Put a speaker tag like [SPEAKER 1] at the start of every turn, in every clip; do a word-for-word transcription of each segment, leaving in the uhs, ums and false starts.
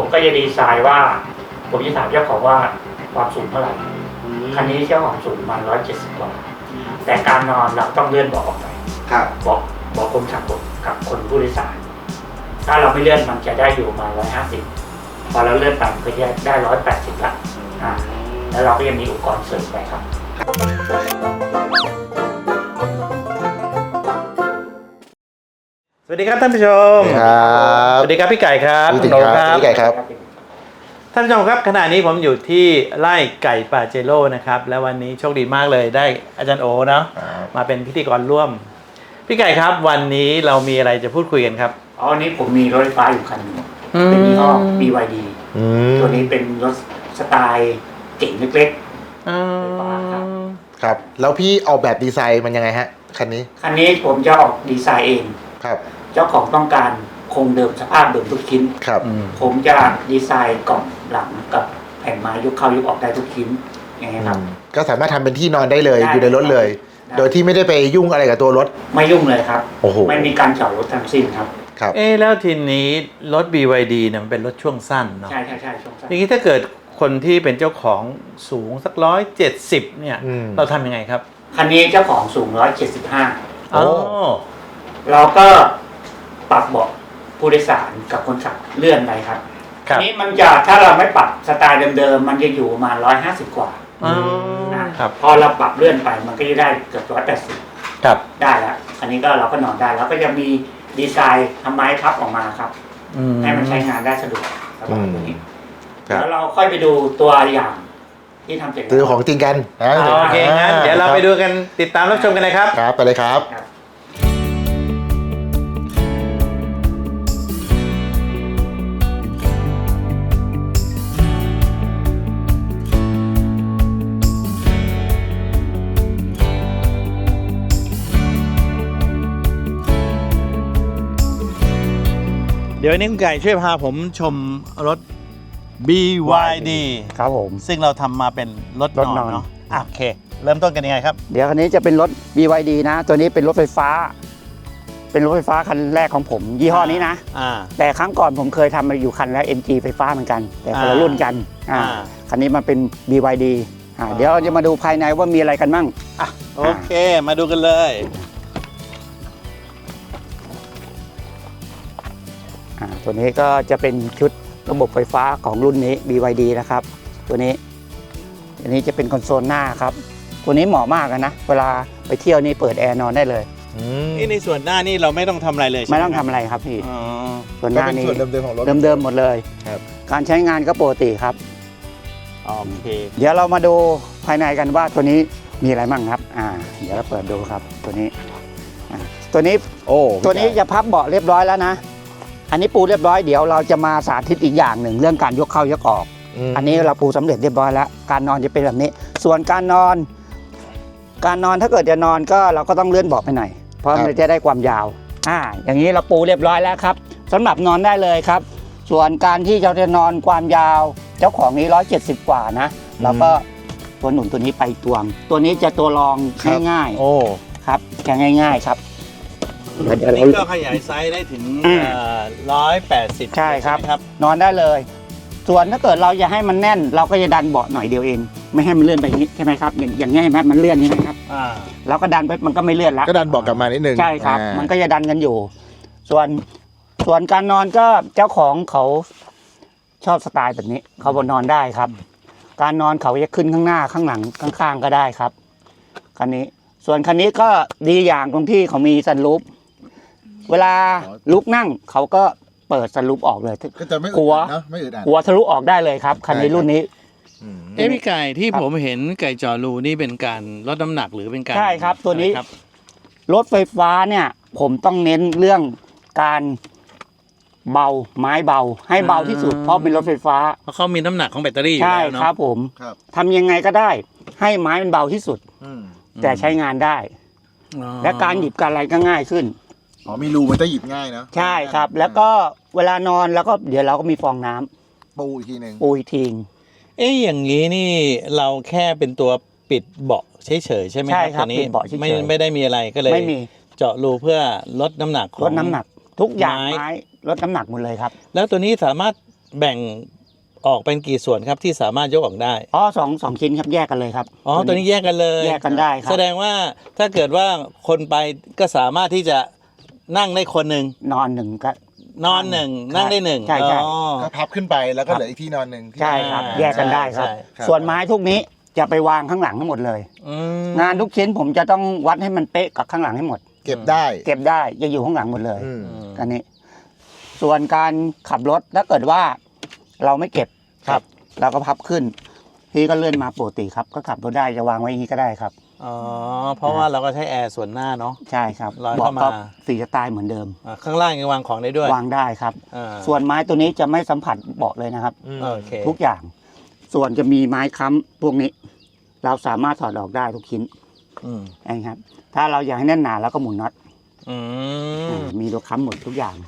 [SPEAKER 1] ผมก็จะดีไซน์ว่าผมจะถามเจ้าของว่าความสูงเท่าไหร่คันนี้เจ้าของสูงประมาณร้อยเจ็ดสิบกว่าแต่การนอนเราต้องเลื่อนเบาะออกไปบอกบอกคนขับกับคนผู้โดยสารถ้าเราไม่เลื่อนมันจะได้อยู่ประมาณร้อยห้าสิบพอเราเลื่อนไปก็จะได้ร้อยแปดสิบละอ่าแล้วเราก็ยังมีอุปกรณ์เสริมไปครับ
[SPEAKER 2] สวัสดีครับท่านผู้ชม
[SPEAKER 3] ครับ
[SPEAKER 2] สวัสดีครับพี่ไก่ครับ
[SPEAKER 3] สวัสดีครับพี่ไก่ครับ
[SPEAKER 2] ท่านผู้ชมครับขณะนี้ผมอยู่ที่ไร่ไก่ปาเจโร่นะครับและวันนี้โชคดีมากเลยได้อาจารย์โอเนาะมาเป็นพิธีกรร่วมพี่ไก่ครับวันนี้เรามีอะไรจะพูดคุยกันครับ
[SPEAKER 1] อ๋อวันนี้ผมมีรถไฟฟ้าอยู่คันนึงเป็นยี่ห้อ บี วาย ดี ตัวนี้เป็นรถสไตล์เก๋งเล็กๆไฟฟ้าครับ
[SPEAKER 3] ครับแล้วพี่ออกแบบดีไซน์มันยังไงฮะคันนี้
[SPEAKER 1] คันนี้ผมจะออกดีไซน์เอง
[SPEAKER 3] ครับ
[SPEAKER 1] เจ้าของต้องการคงเดิมสภาพเดิมทุกชิ้น
[SPEAKER 3] ครับ
[SPEAKER 1] ผมจะดีไซน์กล่องหลังกับแผ่นไม้ยกเข้ายกออกได้ทุกชิ้นอย่างเงี้ยครับ
[SPEAKER 3] ก็สามารถทำเป็นที่นอนได้เลยอยู่ในรถเลยโดยที่ไม่ได้ไปยุ่งอะไรกับตัวรถ
[SPEAKER 1] ไม่ยุ่งเลยครับ
[SPEAKER 3] โอ้โห
[SPEAKER 1] ไม่มีการจอดรถทั้งสิ้นครับ
[SPEAKER 3] ครับ
[SPEAKER 2] เอ๊แล้วทีนี้รถ บี วาย ดีเนี่ยมันเป็นรถช่วงสั้นเนาะ
[SPEAKER 1] ใช่ใช่ใช่ช่วงสั้น
[SPEAKER 2] ทีนี้ถ้าเกิดคนที่เป็นเจ้าของสูงสักร้อยเจ็ดสิบเนี่ยเราทำยังไงครับ
[SPEAKER 1] คันนี้เจ้าของสูงร้อยเจ็ดสิบห้า
[SPEAKER 2] โอ้
[SPEAKER 1] เราก็ปรับเบาะผู้โดยสารกับคนขับเลื่อนไปครับทีนี้มันจะถ้าเราไม่ปรับสไตล์เดิมๆมันจะอยู่ประมาณร้อยห้าสิบกว่า
[SPEAKER 2] ครับ
[SPEAKER 1] พอเราปรับเลื่อนไปมันก็จะได้เกือบร้อยแปดสิบ
[SPEAKER 2] ครับ
[SPEAKER 1] ได้แล้วอันนี้ก็เราก็นอนได้แล้วก็จะมีดีไซน์ทำไม้พับออกมาครับให้มันใช้งานได้สะดวกสบายนี้แล้วเราค่อยไปดูตัวอย่างที่ทำเสร็จ
[SPEAKER 3] ตัวของจริงกัน
[SPEAKER 2] โอเคงั้นเดี๋ยวเราไปดูกันติดตามรับชมกันเลยครับ
[SPEAKER 3] ครับไปเลยครับ
[SPEAKER 2] เดี๋ยวนี้คุณไก่ช่วยพาผมชมรถ บี วาย ดี
[SPEAKER 4] ครับผม
[SPEAKER 2] ซึ่งเราทำมาเป็นรถนอนเนาะโอเคเริ่มต้นกันยังไงครับ
[SPEAKER 4] เดี๋ยวคันนี้จะเป็นรถ บี วาย ดี นะตัวนี้เป็นรถไฟฟ้าเป็นรถไฟฟ้าคันแรกของผมยี่ห้อนี้นะแต่ครั้งก่อนผมเคยทำมาอยู่คันแล้ว เอ็ม จี ไฟฟ้าเหมือนกันแต่คนละรุ่นกันคันนี้มันเป็น บี วาย ดี เดี๋ยวเราจะมาดูภายในว่ามีอะไรกันบ้าง
[SPEAKER 2] โอเคมาดูกันเลย
[SPEAKER 4] ตัวนี้ก็จะเป็นชุดระบบไฟฟ้าของรุ่นนี้ บี วาย ดี นะครับตัวนี้อันนี้จะเป็นคอนโซลหน้าครับตัวนี้เหมาะมากนะเวลาไปเที่ยวนี่เปิดแอร์นอนได้เลย
[SPEAKER 2] นี่ในส่วนหน้านี่เราไม่ต้องทำอะไรเลย
[SPEAKER 4] ไม่ต้องทำอะไรครับพี่ส่วนหน้านี้
[SPEAKER 3] เดิมๆของรถ
[SPEAKER 4] เดิมๆหมดเลยการใช้งานก็ปกติครับ
[SPEAKER 2] โอเค
[SPEAKER 4] เดี๋ยวเรามาดูภายในกันว่าตัวนี้มีอะไรบ้างครับอ่าเดี๋ยวเราเปิดดูครับตัวนี้ตัวนี้
[SPEAKER 3] โอ้
[SPEAKER 4] ตัวนี้จะพับเบาะเรียบร้อยแล้วนะอันนี้ปูเรียบร้อยเดี๋ยวเราจะมาสาธิตอีกอย่างหนึ่งเรื่องการยกเข้ายกออกอันนี้เราปูสำเร็จเรียบร้อยแล้วการนอนจะเป็นแบบนี้ส่วนการนอนการนอนถ้าเกิดจะนอนก็เราก็ต้องเลื่อนเบาะไปหน่อยเพราะมันจะได้ความยาวอ่าอย่างนี้เราปูเรียบร้อยแล้วครับสำหรับนอนได้เลยครับส่วนการที่เราจะนอนความยาวเจ้าของนี้ร้อยเจ็ดสิบกว่านะแล้วก็ตัวหนุนตัวนี้ไปตวงตัวนี้จะตัวรองง่ายๆโอ้ครับแค่ง่ายๆครับ
[SPEAKER 2] นี่ก็ขยายไซส์ได้ถึงร้อยแปดสิบ
[SPEAKER 4] ใช่ครับนอนได้เลยส่วนถ้าเกิดเราจะให้มันแน่นเราก็จะดันเบาะหน่อยเดียวเองไม่ให้มันเลื่อนไปนี้ใช่ไหมครับอย่างอย่างนี้เห็นไหมมันเลื่อนนี่นะครับเราก็ดันไปมันก็ไม่เลื่อนแล้ว
[SPEAKER 3] ก็ดันเบาะกลับมานิดนึง
[SPEAKER 4] ใช่ครับมันก็จะดันกันอยู่ส่วนส่วนการนอนก็เจ้าของเขาชอบสไตล์แบบนี้เขาบนนอนได้ครับการนอนเขาจะขึ้นข้างหน้าข้างหลังข้างๆก็ได้ครับคันนี้ส่วนคันนี้ก็ดีอย่างตรงที่เขามีซันรูฟเวลาลุกนั่งเขาก็เปิดสรุปออกเลยหัวหัวทะลุออกได้เลยครับคันนี้รุ่นนี้
[SPEAKER 2] เอ้พี่ไก่ที่ผมเห็นไก่จอรูนี่เป็นการลดน้ำหนักหรือเป็นการ
[SPEAKER 4] ใช่ครับตัวนี้รถไฟฟ้าเนี่ยผมต้องเน้นเรื่องการเบาไม้เบาให้เบาที่สุดเพราะเป็นรถไฟฟ้า
[SPEAKER 2] เพราะเขามีน้ำหนักของแบตเตอรี่อยู่แล้วเนาะ
[SPEAKER 4] ใช่ครับผมทำยังไงก็ได้ให้ไม้มันเบาที่สุดแต่ใช้งานได้และการหยิบการอะไรก็ง่ายขึ้น
[SPEAKER 3] อ๋อมีรูมันจะหยิบง่ายนะ
[SPEAKER 4] ใช่ครับแล้วก็เวลานอนแล้วก็เดี๋ยวเราก็มีฟองน้ำ
[SPEAKER 3] ปูอีกทีนึง
[SPEAKER 4] ปูอีกที
[SPEAKER 2] เอ๊ะอย่างนี้นี่เราแค่เป็นตัวปิดเบาะเฉยๆใช่ไหมครับตัวนี้ไม่ไม่ได้มีอะไรก็เลยไม่มีเจาะรูเพื่อลดน้ำหนัก
[SPEAKER 4] ลดน้ำหนักทุกอย่างไม้ลดน้ำหนักหมดเลยครับ
[SPEAKER 2] แล้วตัวนี้สามารถแบ่งออกเป็นกี่ส่วนครับที่สามารถยกออกได้
[SPEAKER 4] อ๋อสองสองชิ้นครับแยกกันเลยครับ
[SPEAKER 2] อ๋อตัวนี้แยกกันเลย
[SPEAKER 4] แยกกันได้ครับ
[SPEAKER 2] แสดงว่าถ้าเกิดว่าคนไปก็สามารถที่จะนั่งได้คนหนึ่ง
[SPEAKER 4] นอนหนึ่งก็
[SPEAKER 2] นอนหนึ่งนั่งได้หนึ่ง
[SPEAKER 4] ใช่ใช่
[SPEAKER 2] อ๋อ
[SPEAKER 3] ก็พับขึ้นไปแล้วก็เหลืออีกที่นอนหนึ่งที่
[SPEAKER 4] ใช่ครับ
[SPEAKER 2] อ่า
[SPEAKER 4] แยกกันได้ครับ
[SPEAKER 2] ใช่
[SPEAKER 3] ครับ
[SPEAKER 4] ส่วนไม้ทุกนี้จะไปวางข้างหลังทั้งหมดเลย
[SPEAKER 2] อืม
[SPEAKER 4] งานทุกชิ้นผมจะต้องวัดให้มันเป๊ะกับข้างหลังให้หมด
[SPEAKER 3] เก็บได้
[SPEAKER 4] เก็บได้จะอยู่ข้างหลังหมดเลย
[SPEAKER 3] อืม
[SPEAKER 4] อันนี้ ส่วนการขับรถถ้าเกิดว่าเราไม่เก็บ
[SPEAKER 3] ครับ
[SPEAKER 4] เราก็พับขึ้น พี่ก็เลื่อนมาปกติครับ ก็ขับรถได้จะวางไว้อย่างนี้ก็ได้ครับ
[SPEAKER 2] อ๋อเพราะว่าเราก็ใช้แอร์ส่วนหน้าเนาะ
[SPEAKER 4] ใช่ครับ
[SPEAKER 2] ลอย
[SPEAKER 4] เบาะ
[SPEAKER 2] เข้ามา
[SPEAKER 4] ก็สีสไตล์เหมือนเดิม
[SPEAKER 2] อ่าข้างล่างยังวางของได้ด้วย
[SPEAKER 4] วางได้ครับ
[SPEAKER 2] อ่า
[SPEAKER 4] ส่วนไม้ตัวนี้จะไม่สัมผัสเบาะเลยนะครับ
[SPEAKER 3] อืม
[SPEAKER 2] โอเค
[SPEAKER 4] ทุกอย่าง ส่วนจะมีไม้ค้ำพวกนี้ เราสามารถถอดออกได้ทุกชิ้น
[SPEAKER 2] อืม
[SPEAKER 4] นะครับ ถ้าเราอยากให้แน่นหนาเราก็หมุนน็อต
[SPEAKER 2] อืม
[SPEAKER 4] อ่ามีตัวค้ำหมดทุกอย่าง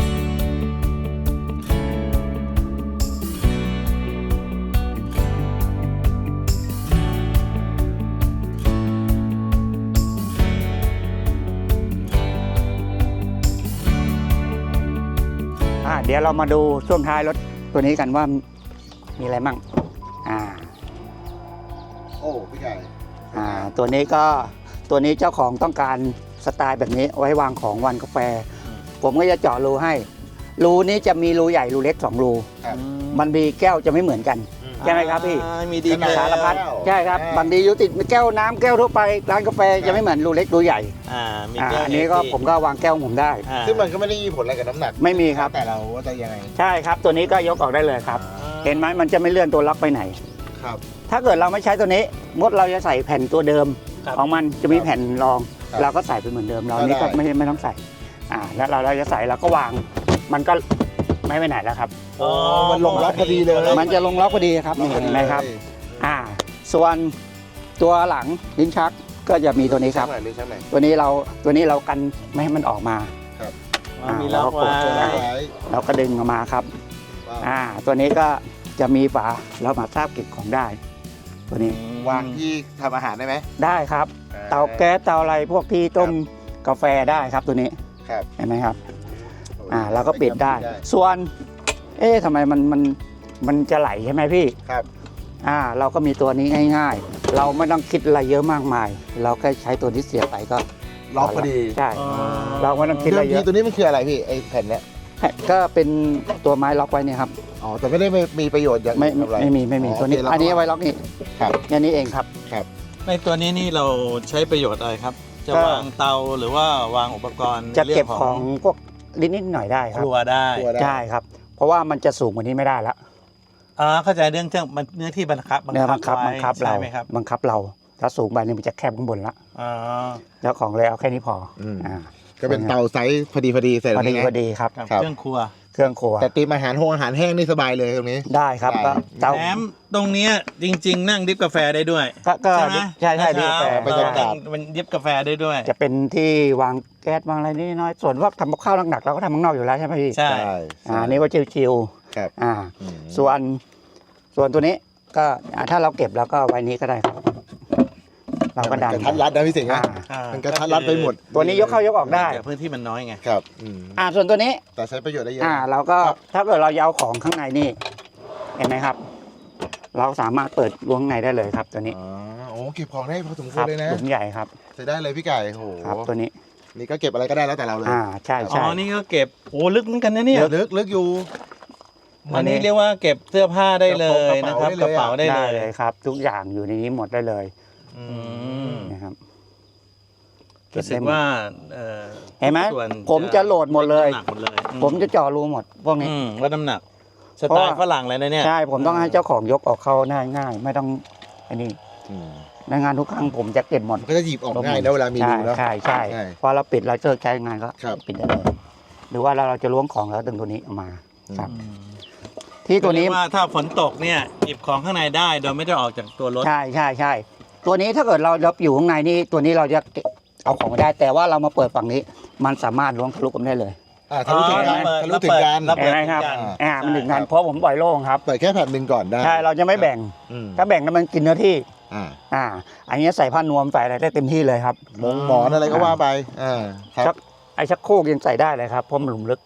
[SPEAKER 4] อ่าเดี๋ยวเรามาดูช่วงท้ายรถตัวนี้กันว่ามีอะไรมั่งอ่า
[SPEAKER 3] โอ้พี่ไก่
[SPEAKER 4] อ่าตัวนี้ก็ตัวนี้เจ้าของต้องการสไตล์แบบนี้ไว้วางของวันกาแฟ ผมก็จะเจาะรูให้ รูนี้จะมีรูใหญ่รูเล็กสองรู
[SPEAKER 3] ครับ
[SPEAKER 4] มันมีแก้วจะไม่เหมือนกัน ใช่ไหมครับพี่
[SPEAKER 2] อ่ามีดี
[SPEAKER 3] ขนาด
[SPEAKER 4] สารพัด
[SPEAKER 3] แก้ว
[SPEAKER 4] ใช่ครับ
[SPEAKER 3] อ่า
[SPEAKER 4] บางทีอยู่ติดแก้วน้ำแก้วทั่วไปร้านกาแฟจะไม่เหมือนรูเล็กรูใหญ่
[SPEAKER 2] อ่ามี
[SPEAKER 4] อ่า
[SPEAKER 2] แก้ว
[SPEAKER 4] อันนี้ก็ผมก็วางแก้วของผมได้
[SPEAKER 2] อ่า
[SPEAKER 3] ซึ่งมันก็ไม่ได้มีผลอะไรกับน้ำหนัก
[SPEAKER 4] ไม่มีครับ
[SPEAKER 3] แต่เราว่าจะยังไง
[SPEAKER 4] ใช่ครับ ตัวนี้ก็ยกออกได้เลยครับ เห็นไหมมันจะไม่เลื่อนตัวล็อกไปไหน
[SPEAKER 3] ครับ
[SPEAKER 4] ถ้าเกิดเราไม่ใช้ตัวนี้มดเราจะใส่แผ่นตัวเดิม
[SPEAKER 2] ครับ
[SPEAKER 4] ของมันจะมีแผ่นรอง
[SPEAKER 3] ครับ
[SPEAKER 4] เราก็ใส่ไปเหมือนเดิมเรา
[SPEAKER 3] ก็
[SPEAKER 4] นี่ก็
[SPEAKER 3] ได้
[SPEAKER 4] ไม่ไม่ต้องใส่อ่าแล้วเราเราจะใส่เราก็วาง มันก็ไม่ไปไหนแล้วครับ
[SPEAKER 3] อ๋อมันลงล็อกพอดีเลย
[SPEAKER 4] มันจะลงล็อกพอดีครับนี่เห็นไหมครับ อ่า ส่วนตัวหลังลิ้นชักก็จะมีตัวนี้ครับ
[SPEAKER 3] ช่างไหนหรือช่างไหน
[SPEAKER 4] ตัวนี้เราตัวนี้เรากันไม่ให้มันออกมา
[SPEAKER 2] อ๋อมีล็อกไว้
[SPEAKER 3] ตัวล็อกไว้
[SPEAKER 4] เราก็ดึงออกมาครับ
[SPEAKER 3] ว้าว
[SPEAKER 4] อ่า ตัวนี้ก็จะมีฝาเรามาทราบเก็บของได้ ตัวนี้
[SPEAKER 3] วางที่ทำอาหารได้ไหม
[SPEAKER 4] ได้ครับ เตาแก๊สเตาอะไรพวกที่ต้มกาแฟได้ครับตัวนี้
[SPEAKER 3] ครับ
[SPEAKER 4] เห็นไหมครับ อ่าเราก็ปิดได้ ส่วน เอ๊ะทำไมมันมันมันจะไหลใช่ไหมพี่
[SPEAKER 3] ครับ
[SPEAKER 4] อ่า เราก็มีตัวนี้ง่าย ๆ เราไม่ต้องคิดอะไรเยอะมากมาย เราแค่ใช้ตัวที่เสียบไปก็
[SPEAKER 3] ล็อกพอดี
[SPEAKER 4] ใช่
[SPEAKER 2] อ๋อ
[SPEAKER 4] เราไม่ต้องคิดอะไร
[SPEAKER 3] เดิม
[SPEAKER 4] เย
[SPEAKER 3] ที
[SPEAKER 4] อะ
[SPEAKER 3] ตัวนี้มันคืออะไรพี่ไอ้แผ่นเนี้ย
[SPEAKER 4] ก็เป็นตัวไม้ล็อกไว้เนี่ยครับ
[SPEAKER 3] อ๋อแต่ไม่ได้มีประโยชน์อย่าง
[SPEAKER 4] ไม่
[SPEAKER 3] อื่นทำอะไร
[SPEAKER 4] ไม่มีไม่มีตัวนี้
[SPEAKER 3] โเค
[SPEAKER 4] อันนี้ไว้ล็อกนี่
[SPEAKER 3] ครับ
[SPEAKER 4] แค่นี้เองครับ
[SPEAKER 2] ในตัวนี้นี่เราใช้ประโยชน์อะไรครับ จะ
[SPEAKER 4] ก็
[SPEAKER 2] วางเตาหรือว่าวางอุปกรณ์
[SPEAKER 4] จะเก็บ
[SPEAKER 2] รื่
[SPEAKER 4] ของพวกนิดๆหน่อยๆได้ค
[SPEAKER 2] ครับ รัวได้
[SPEAKER 3] ครัวได้
[SPEAKER 4] ใช่ครับ เพราะว่ามันจะสูงกว่านี้ไม่ได้ละ
[SPEAKER 2] อ่าเข้าใจเรื่องเครื่องมันเนื้อที่บังคับ
[SPEAKER 4] เนื้อบังคับ
[SPEAKER 2] ไว้
[SPEAKER 4] บังคับเรา
[SPEAKER 2] ใช่ไหมครับ
[SPEAKER 4] บังคับเราถ้าสูงไปเนี่ยมันจะแคบข้างบนละ
[SPEAKER 2] อ๋อ
[SPEAKER 4] แล้วของเลยเอาแค่นี้พออ
[SPEAKER 3] ม
[SPEAKER 4] อ่า
[SPEAKER 3] ก็เป็นเตาไซส์พอดีพอดีใส่
[SPEAKER 4] พอดี
[SPEAKER 3] ตรงนี้
[SPEAKER 4] พอดีครับ
[SPEAKER 2] กับ
[SPEAKER 3] ครับ
[SPEAKER 2] เครื่องครัว
[SPEAKER 4] เครื่องครัว
[SPEAKER 3] แต่ตีมอาหารโฮงอาหารแห้งนี่สบายเลยตรงนี้
[SPEAKER 4] ได้ครับ
[SPEAKER 3] ได้
[SPEAKER 4] ก็เตา
[SPEAKER 2] แถมตรงเนี้ยจริง ๆ นั่งดริฟกาแฟได้ด้วย
[SPEAKER 4] ก็ก็
[SPEAKER 2] ใช่ไหม
[SPEAKER 4] ใช่ใช่ดริฟกาแฟ
[SPEAKER 3] บรรยากาศ
[SPEAKER 2] มันดริฟกาแฟได้ด้วย
[SPEAKER 4] จะเป็นที่วางแก๊สวางอะไรนิดน้อยส่วนว่าทำกับข้าวหนักๆเราก็ทำข้างนอกอยู่แล้วใช่ไหมพี่
[SPEAKER 2] ใช่
[SPEAKER 4] อ่าอันนี้ก็ชิว
[SPEAKER 3] ครับ
[SPEAKER 4] ๆอ่า
[SPEAKER 3] อืม
[SPEAKER 4] ส่วนส่วนตัวนี้ก็อ่าถ้าเราเก็บเราก็ไว้นี้ก็ได้ครับ เราก็ดัน
[SPEAKER 3] กระทัดรัดนะพี่สิงห์
[SPEAKER 4] อ่า
[SPEAKER 3] นะ
[SPEAKER 2] อ่า
[SPEAKER 3] มันกระทัดรัดไปหมด
[SPEAKER 4] ตัวนี้ยกเข้ายกออกได้
[SPEAKER 2] แต่พื้นที่มันน้อยไง
[SPEAKER 3] ครับอืม
[SPEAKER 4] อ่าส่วนตัวนี้
[SPEAKER 3] แต่ใช้ประโยชน์ได้เยอะ
[SPEAKER 4] อ่าเราก็
[SPEAKER 3] ครับ
[SPEAKER 4] ถ้าเกิดเราจะเอาของข้างในนี่เห็นไหมครับ เราสามารถเปิดล้วงข้างในได้เลยครับ ตัวนี้
[SPEAKER 3] อ๋อโอ้เก็บของได้พอสมค
[SPEAKER 4] คว รั
[SPEAKER 3] รเลยนะ
[SPEAKER 4] หลุมใหญ่ครับ
[SPEAKER 3] ใช้ได้เลยพี่ไก่โอ้โห
[SPEAKER 4] ครับตัวนี้
[SPEAKER 3] นี่ก็เก็บอะไรก็ได้แล้วแต่เราเลย
[SPEAKER 4] อ่าใช่
[SPEAKER 2] อ๋
[SPEAKER 4] ใช่
[SPEAKER 2] อ นี่ก็เก็บโอ้ลึกเหมือนกันนะเนี่ย
[SPEAKER 3] ลึกลึกอยู่
[SPEAKER 2] อันนี้เรียกว่าเก็บเสื้อผ้าได้เลยนะครับ
[SPEAKER 3] ก
[SPEAKER 2] ก
[SPEAKER 3] ระ
[SPEAKER 2] ระ
[SPEAKER 3] เป๋า
[SPEAKER 2] เป๋า
[SPEAKER 3] ได้
[SPEAKER 2] ได้
[SPEAKER 3] เลย
[SPEAKER 2] เลย
[SPEAKER 4] เลยครับ ทุกอย่างอยู่ในนี้หมดได้เลย
[SPEAKER 3] อื
[SPEAKER 2] อืม
[SPEAKER 4] นะครับ
[SPEAKER 2] รู้สึกว่าเอ่อ
[SPEAKER 4] เห็นไหม
[SPEAKER 2] ส่วน
[SPEAKER 4] ผมจะโหลดหมดเลย
[SPEAKER 2] น้ำหนักหมดเลยอื
[SPEAKER 4] ผมจะเจ่อรูหมดพวกนี้
[SPEAKER 2] อืมลดน้ำหนัก ส
[SPEAKER 4] เพราะ
[SPEAKER 2] ไต
[SPEAKER 4] ว่า
[SPEAKER 2] ล์ฝรั่งเลยนะเนี่ย
[SPEAKER 4] ใช่ผมต้องให้เจ้าของยกออกเข้าง่ายง่ายไม่ต้องอันนี้
[SPEAKER 3] อืม
[SPEAKER 4] ในงานทุกครั้งผมจะเก็บหมด
[SPEAKER 3] มันก็จะหยิบออกง่ายนะเวลามีรูเนาะ
[SPEAKER 4] ใช่ใช่
[SPEAKER 3] ใช่
[SPEAKER 4] พอเราปิดเราเจอใช้งานก็
[SPEAKER 3] ครับ
[SPEAKER 4] ปิดได้เลยหรือว่าเราเราจะล้วงของแล้วดึงตัวนี้ออกมาครับ
[SPEAKER 2] อืม
[SPEAKER 4] ที่ตัวนี้
[SPEAKER 2] เรียกว่าถ้าฝนตกเนี่ยหยิบของข้างในได้โดยไม่ต้องออกจากตัวรถ
[SPEAKER 4] ใช่ใช่ใช่ตัวนี้ถ้าเกิดเราเราอยู่ข้างในนี่ตัวนี้เราจะเก็บเอาของไม่ได้ แต่ว่าเรามาเปิดฝั่งนี้ มันสามารถล้วงทะลุกันได้เลย
[SPEAKER 3] อ่าทะลุถึงกัน
[SPEAKER 2] อ๋อ
[SPEAKER 3] ทะลุถึงกัน
[SPEAKER 2] ระเบิด
[SPEAKER 4] เห็นไหมครับ
[SPEAKER 2] ถึงกัน
[SPEAKER 4] อ่ามันถึงกันเพราะผมปล่อยโล่งครับ
[SPEAKER 3] เปิดแค่แผ่นหนึ่งก่อนได้
[SPEAKER 4] ใช่เราจะไม่แบ่ง
[SPEAKER 3] อืม
[SPEAKER 4] ถ้าแบ่งแล้วมันกินเนื้อที่
[SPEAKER 3] อ่า
[SPEAKER 4] อ่า อันนี้ใส่ผ้านวมใส่อะไรได้เต็มที่เลยครับ
[SPEAKER 3] มงหมอนอะไรก็ว่าไปอ่าครับ
[SPEAKER 4] ชักไอ้ชักโครกยังใส่ได้เลยครับเพราะมันหลุมลึก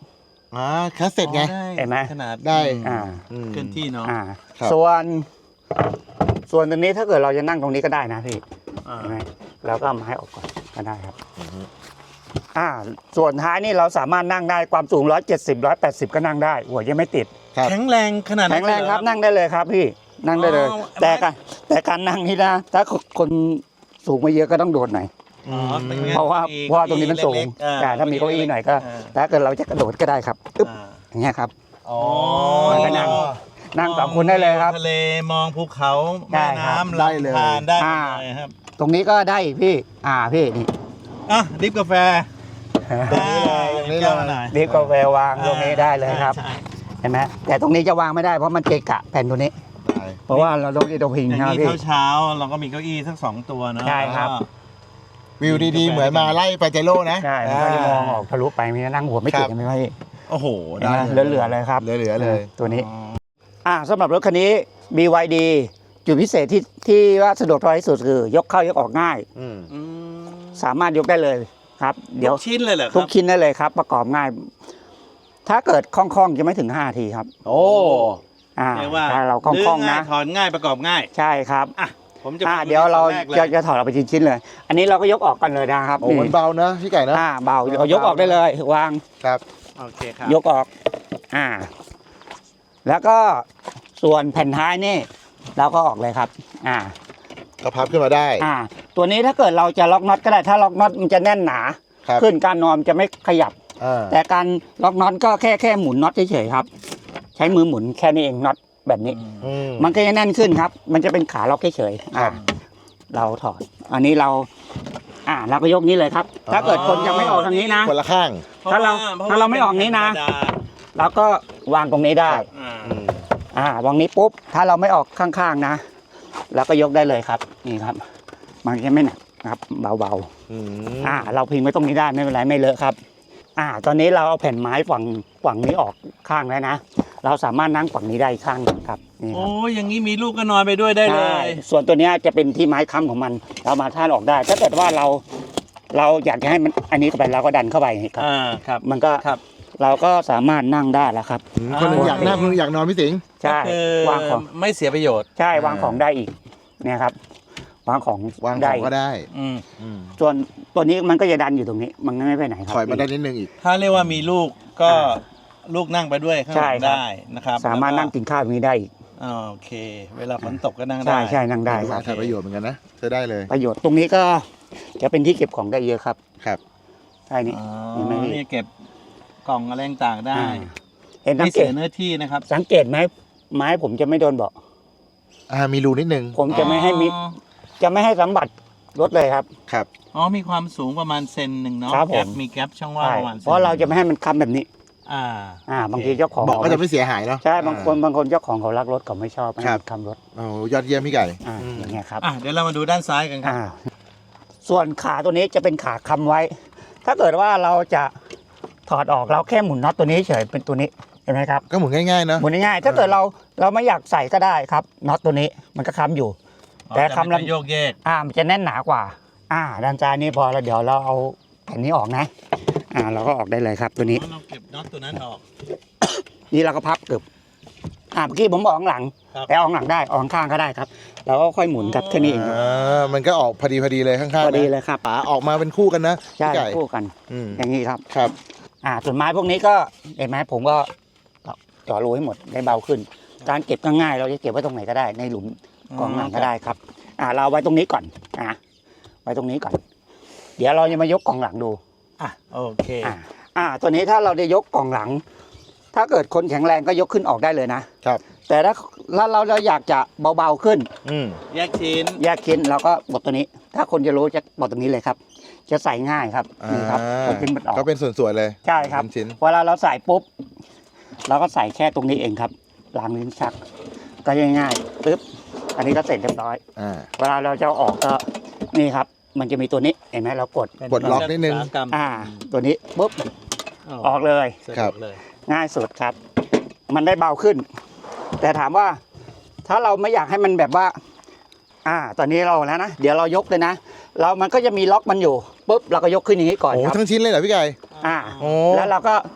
[SPEAKER 3] อ่าคัสเซ็ตไง
[SPEAKER 2] อ๋อด้
[SPEAKER 4] เห็นไหม
[SPEAKER 2] ขนาด
[SPEAKER 3] ได้
[SPEAKER 4] อ่า
[SPEAKER 3] อืม
[SPEAKER 2] เคลื่อนที่เนาะ
[SPEAKER 4] อ่า
[SPEAKER 3] ครับ
[SPEAKER 4] ส่วนส่วนตรงนี้ถ้าเกิดเราจะนั่งตรงนี้ก็ได้นะพี่
[SPEAKER 2] อ่า
[SPEAKER 4] เห็นไหมเราก็เอาไม้ออกก่อนก็ได้ครับอ่าส่วนท้ายนี่เราสามารถนั่งได้ความสูงหนึ่งร้อยเจ็ดสิบ หนึ่งร้อยแปดสิบก็นั่งได้หัวยังไม่ติด
[SPEAKER 3] ครับ
[SPEAKER 2] แข็งแรงขนาดนั้น
[SPEAKER 4] แข็งแรงครับ
[SPEAKER 2] เลยเหอ
[SPEAKER 4] นั่งได้เลยครับพี่นั่งได้เลย
[SPEAKER 2] อ๋อ
[SPEAKER 4] แต่การแต่การนั่งนี่นะถ้าคนสูงไม่เยอะก็ต้องโดดหน่อย
[SPEAKER 2] อ๋อป็นไง
[SPEAKER 4] เพราะว่าเพราะว่าตรงนี้มันสูง
[SPEAKER 2] เล็กๆอ่
[SPEAKER 4] แต่ถ้ามีเก้าอี้หน่อยก็
[SPEAKER 2] า
[SPEAKER 4] ถ้าเกิดเราจะกระโดดก็ได้ครับอึ๊บ
[SPEAKER 2] อ่า
[SPEAKER 4] อย่างเงี้ยครับ
[SPEAKER 3] อ๋อ
[SPEAKER 4] มันก็นั่ง นั่งสองคนได้เลยครับ
[SPEAKER 2] ทะเลมองภูเขา
[SPEAKER 4] ได้
[SPEAKER 2] แม่
[SPEAKER 4] ครับ
[SPEAKER 2] น้ำ
[SPEAKER 3] ได้เลย
[SPEAKER 2] ลำธารได้หม
[SPEAKER 4] อ่า
[SPEAKER 2] ดเลยครับ
[SPEAKER 4] ตรงนี้ก็ได้อีกพี่ อ่าพี่นี่
[SPEAKER 2] อ่ะดริฟกาแฟ
[SPEAKER 3] ตรงนี้เลยตรงนี้เลย
[SPEAKER 2] แก้วมาหน่อย
[SPEAKER 4] รีบกาแฟวางตรงนี้ได้เลยครับ
[SPEAKER 2] ใช่
[SPEAKER 4] เห็นไหมแต่ตรงนี้จะวางไม่ได้เพราะมันเกะกะแผ่นตัวนี้
[SPEAKER 3] ได้
[SPEAKER 4] เพราะว่าเราต้องที่ตัวพิง
[SPEAKER 2] อย่าง
[SPEAKER 4] นะ
[SPEAKER 2] นี้
[SPEAKER 4] พี่
[SPEAKER 2] เช้าๆเราก็มีเก้าอี้สักสองตัวเนอะ
[SPEAKER 4] ใช่ครับ
[SPEAKER 3] วิวดีๆ เหมือนมาไล่ปาเจโร่นะ
[SPEAKER 4] ใช่มันก็จะมองออกทะลุไปมีนั่งหัวไม่ติด
[SPEAKER 3] ครับ
[SPEAKER 4] ใช่ไหมพี่
[SPEAKER 2] โอ้โห
[SPEAKER 4] เห็นไหมเหลือๆเลยครับ
[SPEAKER 3] เหลือๆเลย
[SPEAKER 4] ตัวนี้
[SPEAKER 2] อ๋อ
[SPEAKER 4] อ่าสำหรับรถคันนี้ บี วาย ดี จุดพิเศษที่ที่ว่าสะดวกที่สุดคือยกเข้ายกออกง่าย
[SPEAKER 3] อืม
[SPEAKER 2] อืม
[SPEAKER 4] สามารถยกได้เลยครับ เดี๋ยว
[SPEAKER 2] ทุกชิ้นเลยเหรอค
[SPEAKER 4] ทุ
[SPEAKER 2] รั
[SPEAKER 4] ก
[SPEAKER 2] บ
[SPEAKER 4] ชิ้นได้เลยครับ ประกอบง่าย ถ้าเกิดคล่องๆจะไม่ถึงห้านาทีครับ
[SPEAKER 3] โอ้
[SPEAKER 4] อ่า
[SPEAKER 2] เรียกว่า
[SPEAKER 4] ถ้าเราคล่องๆ
[SPEAKER 2] ลื้
[SPEAKER 4] นะ
[SPEAKER 2] ง่ายถอนง่ายประกอบง่าย
[SPEAKER 4] ใช่ครับ
[SPEAKER 2] อ่ะผมจะ
[SPEAKER 4] อ่า
[SPEAKER 2] ไป
[SPEAKER 4] เดี๋ยวเรา
[SPEAKER 2] แกล
[SPEAKER 4] จะจะถอดออกไปชิ้นๆเลย อันนี้เราก็ยกออกกันเลยนะครับ
[SPEAKER 3] โอ้มันเบานะพี่ไก่นะ
[SPEAKER 4] อ่าเบาเรายกออกได้เลย วาง
[SPEAKER 3] ครับ
[SPEAKER 2] โอเคครับ
[SPEAKER 4] ยกออก อ่า แล้วก็ส่วนแผ่นท้ายนี่เราก็ออกเลยครับ อ่า
[SPEAKER 3] ก็พับขึ้นมาได้
[SPEAKER 4] อ่า ตัวนี้ถ้าเกิดเราจะล็อกน็อตก็ได้ ถ้าล็อกน็อตมันจะแน่นหนา
[SPEAKER 3] ครับ
[SPEAKER 4] ขึ้นการนอนจะไม่ขยับ
[SPEAKER 3] อ่า
[SPEAKER 4] แต่การล็อกน็อตก็แค่แค่หมุนน็อตเฉยๆครับ ใช้มือหมุนแค่นี้เองน็อตแบบนี้
[SPEAKER 3] อืม
[SPEAKER 4] มันก็จะแน่นขึ้นครับ มันจะเป็นขาล็อกเฉยๆ
[SPEAKER 3] ครั
[SPEAKER 4] อ่า
[SPEAKER 3] บ
[SPEAKER 4] เราถอด อันนี้เรา อ่าเราก็ยกนี้เลยครับ ถ้าเกิดคนยังไม่ออกทางนี้นะ
[SPEAKER 3] คนละข้าง
[SPEAKER 4] ถ้าเรา
[SPEAKER 2] พะว่
[SPEAKER 4] ถ้าเราไม่ออกนี้นะ
[SPEAKER 2] เป็ธรรมดา
[SPEAKER 4] เราก็วางตรงนี้ได้
[SPEAKER 2] อ่า
[SPEAKER 3] อืม
[SPEAKER 4] อ่าวางนี้ปุ๊บ ถ้าเราไม่ออกข้างๆนะเราก็ยกได้เลยครับ นี่ครับ มันจะไม่หนักนะครับ เบา
[SPEAKER 3] อืม
[SPEAKER 4] ๆ อ่า เราพิงไว้ตรงนี้ได้ไม่เป็นไรไม่เลอะครับ อ่า ตอนนี้เราเอาแผ่นไม้ฝั่งฝั่งนี้ออกข้างแล้วนะ เราสามารถนั่งฝั่งนี้ได้อีกข้างหนึ่งครับ นี่ค
[SPEAKER 2] โอ้
[SPEAKER 4] รับ
[SPEAKER 2] ยอย่างนี้มีลูกก็นอนไปด้วยได้เล
[SPEAKER 4] ใช่
[SPEAKER 2] ย
[SPEAKER 4] ส่วนตัวเนี้ยจะเป็นที่ไม้ค้ำของมัน เรามาท่านออกได้ ถ้าเกิดว่าเรา เราอยากจะให้มันอันนี้เข้าไปเราก็ดันเข้าไปครับ
[SPEAKER 2] อ่าครับ
[SPEAKER 4] มันก็
[SPEAKER 2] ครับ
[SPEAKER 4] เราก็สามารถนั่งได้แล้วครับ
[SPEAKER 3] อืมคนหนึงอยากนั่งคนหนึงอยากนอนพี่สิงห์
[SPEAKER 4] ใช่
[SPEAKER 2] ก็คือ
[SPEAKER 4] วางของ
[SPEAKER 2] ไม่เสียประโยชน์
[SPEAKER 4] ใช่วางของได้อีกเนี่ยครับ วางของ
[SPEAKER 3] วางข
[SPEAKER 4] ได้
[SPEAKER 3] องก็ได้
[SPEAKER 2] อืม
[SPEAKER 3] อืม
[SPEAKER 4] ส่วนตัวนี้มันก็จะดันอยู่ตรงนี้ มันไม่ไปไหนครับ
[SPEAKER 3] ถอยมาได้นิดนึงอีก
[SPEAKER 2] ถ้าเรียกว่ามีลูกก็ลูกนั่งไปด้วยข้างห
[SPEAKER 4] ใช่
[SPEAKER 2] ลัง
[SPEAKER 4] ครับ
[SPEAKER 2] ได้นะครับ
[SPEAKER 4] สามารถนั่งกินข้าวตรงนี้ได้อีก
[SPEAKER 2] อ่าโอเค เวลาฝนตกก็นั่งได้
[SPEAKER 4] ใช่ใช่นั่งได้
[SPEAKER 3] ได้
[SPEAKER 4] ครับ
[SPEAKER 3] ใช้ประโยชน์เหมือนกันนะใช้ได้เลย
[SPEAKER 4] ประโยชน์ตรงนี้ก็จะเป็นที่เก็บของได้เยอะครับ
[SPEAKER 3] ครับ
[SPEAKER 4] ใช่นี่
[SPEAKER 2] อ๋อ
[SPEAKER 4] เห็นไหมพี่
[SPEAKER 2] นี่เก็บกล่องอะไรต่างๆได้
[SPEAKER 4] อ่าเห็นสั
[SPEAKER 2] ไม่
[SPEAKER 4] งเก
[SPEAKER 2] เสี
[SPEAKER 4] ต
[SPEAKER 2] ยเนื้อที่นะครับ
[SPEAKER 4] สังเกตไหมไม้ผมจะไม่โดนเบาะ
[SPEAKER 3] อ่ามีรูนิดนึง
[SPEAKER 4] ผมจะไม่ให้มิ
[SPEAKER 2] อ๋อ
[SPEAKER 4] จะไม่ให้สัมผัสรถเลยครับ
[SPEAKER 3] ครับ
[SPEAKER 2] อ๋อมีความสูงประมาณเซนหนึ่งเนาะ
[SPEAKER 4] ครับผม
[SPEAKER 2] แก๊ปมีแก๊ปช่องว่าง
[SPEAKER 4] ใช่
[SPEAKER 2] ประมาณซน
[SPEAKER 4] เพราะเราจะไม่ให้มันค้ำแบบนี้
[SPEAKER 2] อ่า
[SPEAKER 4] อ่า บางทีเจ้าของ
[SPEAKER 3] เบอกก็จะไม่เสียหายเนาะ
[SPEAKER 4] ใช่บางคนบางคนเจ้าของเขารักรถเขาไม่ชอบให้
[SPEAKER 3] ครับ
[SPEAKER 4] มันค้ำรถ
[SPEAKER 3] โอ้โหยอดเยี่ยมพี่ไก่
[SPEAKER 4] อ่าอย่างเงี้ยครับ
[SPEAKER 2] อ่ะเดี๋ยวเรามาดูด้านซ้ายกันครับ
[SPEAKER 4] อ่า ส่วนขาตัวนี้จะเป็นขาค้ำไว้ ถ้าเกิดว่าเราจะถอดออกเราแค่หมุนน็อตตัวนี้เฉยเป็นตัวนี้เห็นไหมครับ
[SPEAKER 3] ก็หมุนง่ายๆเนอะ
[SPEAKER 4] หมุนง่ายๆถ้าเกิดเราเราไม่อยากใส่ก็ได้ครับน็อตตัวนี้มันก็ค้ำอยู่ แต่คำ
[SPEAKER 2] ล
[SPEAKER 4] ลำ
[SPEAKER 2] โยกเยก
[SPEAKER 4] อ่ามันจะแน่นหนากว่า อ่าด้านซ้ายนี่พอแล้วเดี๋ยวเราเอาแผ่นนี้ออกนะ อ่าเราก็ออกได้เลยครับตัวนี้
[SPEAKER 2] เราเก็บน็อตตัวนั้นออก
[SPEAKER 4] นี่เราก็พับเกือบอ่าเมื่อกี้ผมบอกข้างหลัง
[SPEAKER 2] ครับ
[SPEAKER 4] แต่ออกหลังได้ออกข้างก็ได้ครับเราก็ค่อยหมุนครับแค่นี้เอง
[SPEAKER 3] อ่ามันก็ออกพอดีพอดีเลยข้างๆ
[SPEAKER 4] พอดี
[SPEAKER 3] นะ
[SPEAKER 4] เลยครับ
[SPEAKER 3] ป๋าออกมาเป็นคู่กันนะ
[SPEAKER 4] ใช่
[SPEAKER 3] พี่ไก่
[SPEAKER 4] คู่กัน
[SPEAKER 3] อืม
[SPEAKER 4] อย่างนี้ครับ
[SPEAKER 3] ครับ
[SPEAKER 4] อ่าส่วนไม้พวกนี้ก็เห็นไหมผมก็เจ่อรูให้หมดได้เบาขึ้น การเก็บก็ง่ายเราจะเก็บไว้ตรงไหนก็ได้ในหลุมกองหลังก็ได้ครับ อ่าเราเอาไว้ตรงนี้ก่อนอ่าไว้ตรงนี้ก่อน เดี๋ยวเราจะมายกกองหลังดู
[SPEAKER 2] อ่ะโอเค
[SPEAKER 4] อ่า อ่า ตัวนี้ถ้าเราได้ยกกล่องหลัง ถ้าเกิดคนแข็งแรงก็ยกขึ้นออกได้เลยนะ
[SPEAKER 3] ครับ
[SPEAKER 4] แต่ถ้าถ้าเราเราอยากจะเบาๆขึ้น
[SPEAKER 3] อืม
[SPEAKER 2] แยกชิ้น
[SPEAKER 4] แยกชิ้นเราก็บดตัวนี้ ถ้าคนจะรู้จะบดตรงนี้เลยครับ จะใส่ง่ายครับ นี่ครับ
[SPEAKER 3] อ่า
[SPEAKER 4] คนขึ้นมันออก
[SPEAKER 3] ก็เป็นส่วนๆเลย
[SPEAKER 4] ใช่ครับ
[SPEAKER 3] เป็นชิ้น
[SPEAKER 4] เวลาเราใส่ปุ๊บ เราก็ใส่แค่ตรงนี้เองครับล้างลิ้นชัก ก็ง่ายๆปึ๊บ อันนี้ก็เสร็จเรียบร้อย
[SPEAKER 3] อ่า
[SPEAKER 4] เวลาเราจะเอาออกก็นี่ครับ มันจะมีตัวนี้ เห็นไหมเรากด
[SPEAKER 3] ปลดล็อกนิดนึง
[SPEAKER 2] อุตสาหกรรม
[SPEAKER 4] อ่า ตัวนี้ปุ๊บ ออกเลย
[SPEAKER 2] สะดวก
[SPEAKER 3] ครับ
[SPEAKER 2] เลย
[SPEAKER 4] ง่ายสุดครับ มันได้เบาขึ้น แต่ถามว่า ถ้าเราไม่อยากให้มันแบบว่า อ่า ตอนนี้เราแล้วนะ เดี๋ยวเรายกเลยนะ เรา มันก็จะมีล็อกมันอยู่ ปุ๊บ เราก็ยกขึ้นอย่างนี้ก่อน
[SPEAKER 3] โอ้
[SPEAKER 4] ครับ
[SPEAKER 3] ทั้งชิ้นเลยเหรอพี่ไก่
[SPEAKER 4] อ่า
[SPEAKER 3] โอ้
[SPEAKER 4] แล้วเราก็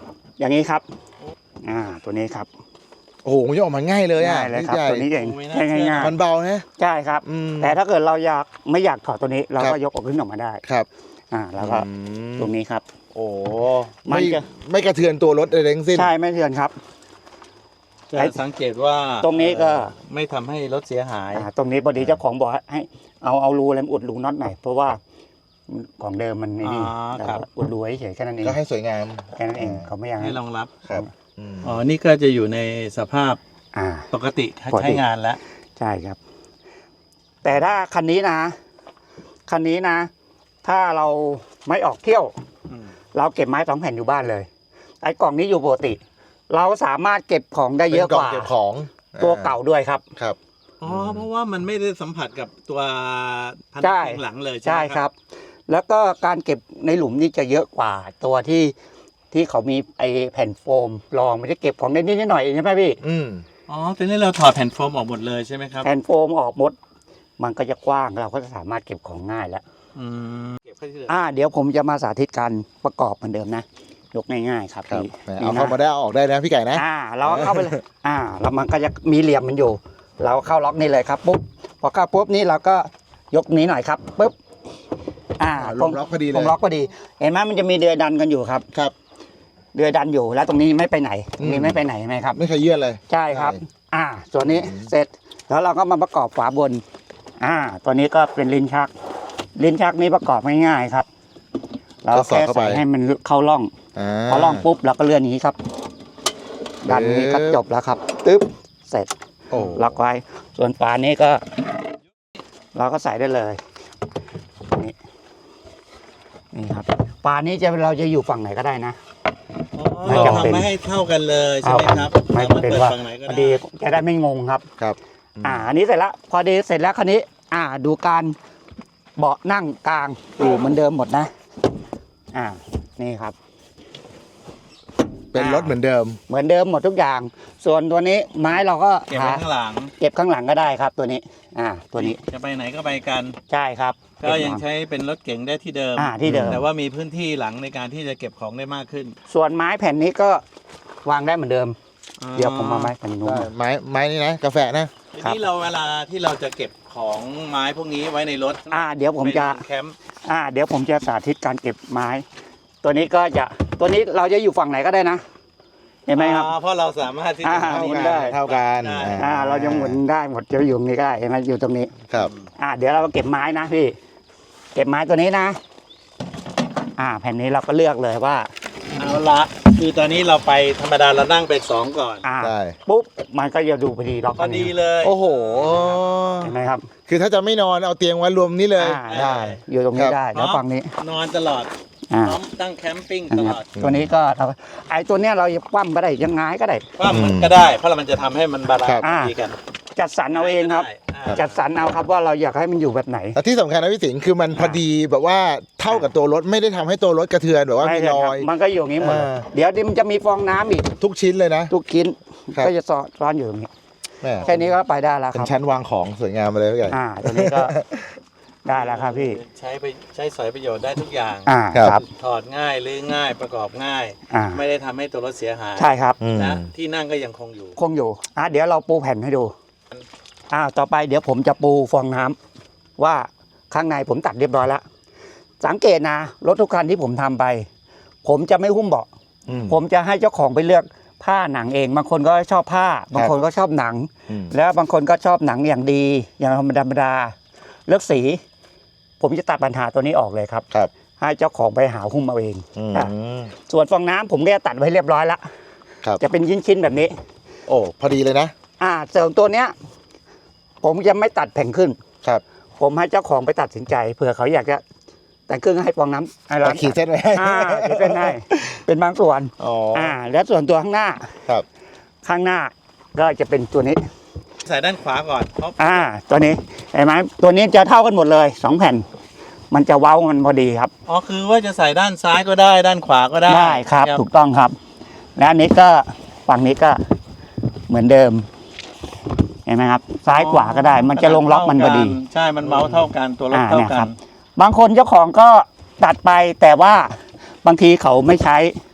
[SPEAKER 4] อย่างนี้ครับอ่าตัวนี้ครับ
[SPEAKER 3] โอ้โหมันจะออกมาง่ายเลยอ่ะ
[SPEAKER 4] ง่ายเลยครับ
[SPEAKER 3] พี่ใหญ่
[SPEAKER 4] ตัวนี้เอง
[SPEAKER 2] โอ้ไม่น่าเชื่อ
[SPEAKER 4] ง่าย
[SPEAKER 3] มันเบานะ
[SPEAKER 4] ๆใช่ครับ
[SPEAKER 3] อืม
[SPEAKER 4] แต่ถ้าเกิดเราอยากไม่อยากถอดตัวนี้ เรา
[SPEAKER 3] ครั
[SPEAKER 4] ก็
[SPEAKER 3] บ
[SPEAKER 4] ยกออกขึ้นออกมาได้
[SPEAKER 3] ครับ
[SPEAKER 4] อ่าแล้วก็
[SPEAKER 3] อืม
[SPEAKER 4] ตรงนี้ครับ
[SPEAKER 3] โอ้
[SPEAKER 4] มัน
[SPEAKER 3] ไม่
[SPEAKER 4] จะ
[SPEAKER 3] ไม่กระเทือนตัวรถอะไรทั้งสิ้น
[SPEAKER 4] ใช่ไม่เทือนครับ
[SPEAKER 2] จะสังเกตว่า
[SPEAKER 4] ตรงนี้ก็
[SPEAKER 2] เอ่อไม่ทำให้รถเสียหาย
[SPEAKER 4] อ่าตรงนี้พอดีเจ้าของบอกให้เอาเอารูอะไรมาอุดรูน็อตหน่อยเพราะว่าของเดิมมันไอ้นี่
[SPEAKER 2] อ๋อ
[SPEAKER 4] แต่
[SPEAKER 2] ครับ
[SPEAKER 4] ว่าอุดรูไว้เฉยๆแค่นั้นเอง
[SPEAKER 3] ก็ให้สวยงาม
[SPEAKER 4] แค่นั้นเองเขาไม่อยาก
[SPEAKER 2] ให้รองรับ
[SPEAKER 3] ครับอืม
[SPEAKER 2] อ๋อนี่ก็จะอยู่ในสภาพ
[SPEAKER 4] อ่า
[SPEAKER 2] ปกติ
[SPEAKER 4] ปกติ
[SPEAKER 2] ใช้งานแล้ว
[SPEAKER 4] ใช่ครับ แต่ถ้าคันนี้นะ คันนี้นะ ถ้าเราไม่ออกเที่ยว
[SPEAKER 2] อืม
[SPEAKER 4] เราเก็บไม้สองแผ่นอยู่บ้านเลย ไอ้กล่องนี้อยู่ปกติ เราสามารถเก็บของได้เยอะ
[SPEAKER 3] ป็น
[SPEAKER 4] ก
[SPEAKER 3] ล่ง
[SPEAKER 4] ว่า
[SPEAKER 3] เก็บของ
[SPEAKER 4] ตัวเก่าด้วยครับ
[SPEAKER 3] ครับ
[SPEAKER 2] อ๋อเพราะว่ามันไม่ได้สัมผัสกับตัวพัน
[SPEAKER 4] ใช่
[SPEAKER 2] ธุ์หลังเลยใช่
[SPEAKER 4] ใช่
[SPEAKER 2] ไหม
[SPEAKER 4] ครับ แล้วก็การเก็บในหลุมนี่จะเยอะกว่าตัวที่ที่เขามีไอ้แผ่นโฟมรองไม่ได้เก็บของได้นิดๆหน่อยๆใช่ไหมพี่
[SPEAKER 3] อืม
[SPEAKER 2] อ๋อทีนี้เราถอดแผ่นโฟมออกหมดเลยใช่ไหมครับ
[SPEAKER 4] แผ่นโฟมออกหมด มันก็จะกว้างเราก็จะสามารถเก็บของง่ายแล้ว
[SPEAKER 2] อืมเก็บเข้าที่เหลือ
[SPEAKER 4] อ่า เดี๋ยวผมจะมาสาธิตการประกอบเหมือนเดิมนะ ยกง่ายๆครับ
[SPEAKER 3] ครับ
[SPEAKER 4] พี่
[SPEAKER 3] แหม
[SPEAKER 4] นี่
[SPEAKER 3] เอา
[SPEAKER 4] นะ
[SPEAKER 3] เข้ามาได้เอาออกได้นะพี่ไก่นะ
[SPEAKER 4] อ่า เราเข้าไปเลย อ่า แล้วมันก็จะมีเหลี่ยมมันอยู่ เราเข้าล็อกนี่เลยครับปุ๊บ พอเข้าปุ๊บนี่เราก็ยกนี้หน่อยครับปุ๊บ อ่า
[SPEAKER 3] อ่าลงล็อกพอดีเลย
[SPEAKER 4] ลงล็อกพอดี เห็นไหมมันจะมีเดือยดันกันอยู่ครับ
[SPEAKER 3] ครับ
[SPEAKER 4] เดือยดันอยู่แล้วตรงนี้ไม่ไปไหนตรงนี้
[SPEAKER 3] อืม
[SPEAKER 4] ไม่ไปไหนไหมครับ
[SPEAKER 3] ไม่เคยเยื่อนเลย
[SPEAKER 4] ใช่ครับ
[SPEAKER 3] ใช่
[SPEAKER 4] อ่า ส่วนนี้เสร็จ แล้วเราก็มาประกอบฝาบน อ่า ตัวนี้ก็เป็นลิ้นชัก ลิ้นชักนี้ประกอบง่ายๆครับ เรา
[SPEAKER 3] ก็สอด
[SPEAKER 4] แค่
[SPEAKER 3] เข้าไป
[SPEAKER 4] ใส่ให้มันเข้าร่อง
[SPEAKER 3] อ่า
[SPEAKER 4] พอร่องปุ๊บเราก็เลื่อนอย่างนี้ครับ ดันนี้ก็
[SPEAKER 3] ปึ๊บ
[SPEAKER 4] จบแล้วครับ ตึ๊บ เสร็จ
[SPEAKER 3] โอ้
[SPEAKER 4] ล็อกไว้ ส่วนฝานี้ก็ เราก็ใส่ได้เลย นี่ นี่ครับ ฝานี้จะเราจะอยู่ฝั่งไหนก็ได้นะ
[SPEAKER 2] อ๋อ
[SPEAKER 4] ไม่
[SPEAKER 2] เรา
[SPEAKER 4] จำเป็น
[SPEAKER 2] ทำไม่ให้เท่ากันเลยใช่ไหมครับ
[SPEAKER 4] ไม่
[SPEAKER 2] สามารถ
[SPEAKER 4] เป็น
[SPEAKER 2] เปิด
[SPEAKER 4] ว่า
[SPEAKER 2] ฝั่งไหนก็
[SPEAKER 4] พอ
[SPEAKER 2] ได้
[SPEAKER 4] ดีจะได้ไม่งงครับ
[SPEAKER 3] ครับ
[SPEAKER 4] อ่า อันนี้เสร็จแล้ว พอดีเสร็จแล้วคันนี้ อ่า ดูการเบาะนั่งกลางอยู่เหมือนเดิมหมดนะ อ่า นี่ครับ
[SPEAKER 3] เป็นรถเหมือนเดิม
[SPEAKER 4] เหมือนเดิมหมดทุกอย่าง ส่วนตัวนี้ไม้เราก็
[SPEAKER 2] เก็บไว้
[SPEAKER 4] หา
[SPEAKER 2] ข้างหลัง
[SPEAKER 4] เก็บข้างหลังก็ได้ครับ ตัวนี้ อ่า ตัวนี้
[SPEAKER 2] จะไปไหนก็ไปกัน
[SPEAKER 4] ใช่ครับ
[SPEAKER 2] ก็ยังใช้เป็นรถเก๋งได้ที่เดิม
[SPEAKER 4] อ่าที่เดิม
[SPEAKER 2] แต่ว่ามีพื้นที่หลังในการที่จะเก็บของได้มากขึ้น
[SPEAKER 4] ส่วนไม้แผ่นนี้ก็วางได้เหมือนเดิม เดี๋ยวผมมาไม้แผ่นนู้น
[SPEAKER 3] ได้
[SPEAKER 4] มา
[SPEAKER 3] ไม้ไม้นี่นะ กาแฟนะ
[SPEAKER 2] ที
[SPEAKER 4] ครับ
[SPEAKER 2] นี้เราเวลาที่เราจะเก็บของไม้พวกนี้ไว้ในรถ
[SPEAKER 4] อ่า เดี๋ยวผมจะ
[SPEAKER 2] เป็นแคมป์
[SPEAKER 4] อ่า เดี๋ยวผมจะสาธิตการเก็บไม้ ตัวนี้ก็จะ ตัวนี้เราจะอยู่ฝั่งไหนก็ได้นะ เห็นไหมครับ
[SPEAKER 2] อ๋อเพราะเราสามารถที่จะ
[SPEAKER 4] อ่า
[SPEAKER 3] เท่า
[SPEAKER 4] หมุน
[SPEAKER 3] กัน
[SPEAKER 4] ได้
[SPEAKER 3] เท่ากัน
[SPEAKER 2] ได้
[SPEAKER 4] อ่า เราจะหมุนได้หมดจะอยู่ตรงนี้ก็ได้เห็นไหมอยู่ตรงนี้
[SPEAKER 3] ครับ
[SPEAKER 4] อ่า เดี๋ยวเราเก็บไม้นะพี่ เก็บไม้ตัวนี้นะ อ่า แผ่นนี้เราก็เลือกเลยว่า
[SPEAKER 2] เอาละคือตอนนี้เราไปธรรมดาเรานั่งไปสองก่อน
[SPEAKER 4] อ่า
[SPEAKER 3] ได้
[SPEAKER 4] ปุ๊บ มันก็จะดูพอดีล็อก
[SPEAKER 2] พอดีเลย
[SPEAKER 3] โอ้โห
[SPEAKER 4] เห็นไหมครับ
[SPEAKER 3] คือถ้าจะไม่นอนเอาเตียงไว้รวมนี้เลย
[SPEAKER 4] อ่า ได้ อยู่ตรงนี้
[SPEAKER 3] ครับ
[SPEAKER 4] ได้ แล้วฝั่งนี้
[SPEAKER 2] นอนตลอด
[SPEAKER 4] อ่า
[SPEAKER 2] พร้อมตั้งแคมปิ้ง
[SPEAKER 4] อัน
[SPEAKER 2] ต
[SPEAKER 4] นี้
[SPEAKER 2] ล
[SPEAKER 4] ครั
[SPEAKER 2] อบ ด
[SPEAKER 4] ตัวนี้ก็เราไอ้ตัวเนี้ยเราจะคว่ำก็ได้ยังไงก็ได้
[SPEAKER 2] ว่ามันก็ได้ เพราะมันจะทำให้มันบาลาน
[SPEAKER 3] ครับ
[SPEAKER 2] ซ์ดีกัน
[SPEAKER 4] จัดสรรเอาเองครับ
[SPEAKER 2] ได้อ่า
[SPEAKER 4] จัดสรรเอาครับว่าเราอยากให้มันอยู่แบบไหน
[SPEAKER 3] แต่ที่สำคัญนะพี่สิงห์คือมันพอดีแบบว่าเท่ากับตัวรถไม่ได้ทำให้ตัวรถกระเทือนแบบว่ามี
[SPEAKER 4] ใช่
[SPEAKER 3] ร
[SPEAKER 4] ค
[SPEAKER 3] อ
[SPEAKER 4] รับ
[SPEAKER 3] ย
[SPEAKER 4] มันก็อยู่อย่างนี้หมด
[SPEAKER 3] เออ
[SPEAKER 4] เดี๋ยวมันจะมีฟองน้ำอีก
[SPEAKER 3] ทุกชิ้นเลยนะ
[SPEAKER 4] ทุกชิ้น
[SPEAKER 3] ครับ
[SPEAKER 4] ก็จะซ้อนซ้อนอยู่ตรงนี้
[SPEAKER 3] แม่
[SPEAKER 4] แค่นี้ก็ไปได้แล้ว
[SPEAKER 3] เป็
[SPEAKER 4] คน รับ
[SPEAKER 3] ชั้นวางของสวยงามไปเลยพี่ไก่
[SPEAKER 4] อ่าตัวนี้ก็ ได้แล้วครับพี่
[SPEAKER 2] ใช้ไปใช้สอยประโยชน์ได้ทุกอย่าง
[SPEAKER 4] อ่า
[SPEAKER 3] ครับ
[SPEAKER 4] ครับ
[SPEAKER 2] ถอดง่ายรื้อง่ายประกอบง่าย
[SPEAKER 4] อ่า
[SPEAKER 2] ไม่ได้ทำให้ตัวรถเสียหาย
[SPEAKER 4] ใช่ครับ
[SPEAKER 3] อืม
[SPEAKER 2] นะที่นั่งก็ยังคงอยู่
[SPEAKER 4] คงอยู่อ่ะเดี๋ยวเราปูแผ่นให้ดูอ่าต่อไปเดี๋ยวผมจะปูฟองน้ำว่าข้างในผมตัดเรียบร้อยแล้วสังเกตนะรถทุกคันที่ผมทำไป ผมจะไม่หุ้มเบาะ
[SPEAKER 3] อืม
[SPEAKER 4] ผมจะให้เจ้าของไปเลือกผ้าหนังเอง บางคนก็ชอบผ้า บางคนก็ชอบหนัง
[SPEAKER 3] อืม
[SPEAKER 4] แล้วบางคนก็ชอบหนังอย่างดี อย่างธรรมดาธรรมดาเลือกสี ผมจะตัดปัญหาตัวนี้ออกเลยครับ
[SPEAKER 3] ครับ
[SPEAKER 4] ให้เจ้าของไปหาหุ้มเอาเอง
[SPEAKER 3] อืม
[SPEAKER 4] อ่ะส่วนฟองน้ำผมก็จะตัดไว้เรียบร้อยแล้ว
[SPEAKER 3] ครับ
[SPEAKER 4] จะเป็นชิ้นๆแบบนี้
[SPEAKER 3] โอ้พอดีเลยนะ
[SPEAKER 4] อ่าส่วนตัวเนี้ย ผมจะไม่ตัดแผ่นขึ้น
[SPEAKER 3] ครับ
[SPEAKER 4] ผมให้เจ้าของไปตัดสินใจเผื่อเขาอยากจะแต่งเครื่องให้ฟองน้ำให้เรา
[SPEAKER 3] แต่ขีดเส้นไว้ให้
[SPEAKER 4] อ่าขีดเส้นให้เป็นบางส่วน
[SPEAKER 3] อ๋อ
[SPEAKER 4] อ่า แล้วส่วนตัวข้างหน้า
[SPEAKER 3] ครับ
[SPEAKER 4] ข้างหน้าก็จะเป็นตัวนี้
[SPEAKER 2] ใส่ด้านขวาก่อนเพราะ
[SPEAKER 4] อ่า ตัวนี้เห็นไหมตัวนี้จะเท่ากันหมดเลยสองแผ่น มันจะเว้ามันพอดีครับ
[SPEAKER 2] อ๋อคือว่าจะใส่ด้านซ้ายก็ได้ด้านขวาก็ได้
[SPEAKER 4] ได้ครับถูกต้องครับ และอันนี้ก็ฝั่งนี้ก็เหมือนเดิม เห็นไหมครับ ซ้ายขวาก็ได้ มันจะลงล็อกมันพอดี
[SPEAKER 2] ใช่มันเมาส์เท่ากันตัวรถ
[SPEAKER 4] อ่า
[SPEAKER 2] เท่า
[SPEAKER 4] เนี่ย
[SPEAKER 2] กั
[SPEAKER 4] ครั
[SPEAKER 2] น
[SPEAKER 4] บ บางคนเจ้าของก็ตัดไปแต่ว่าบางทีเขาไม่ใช้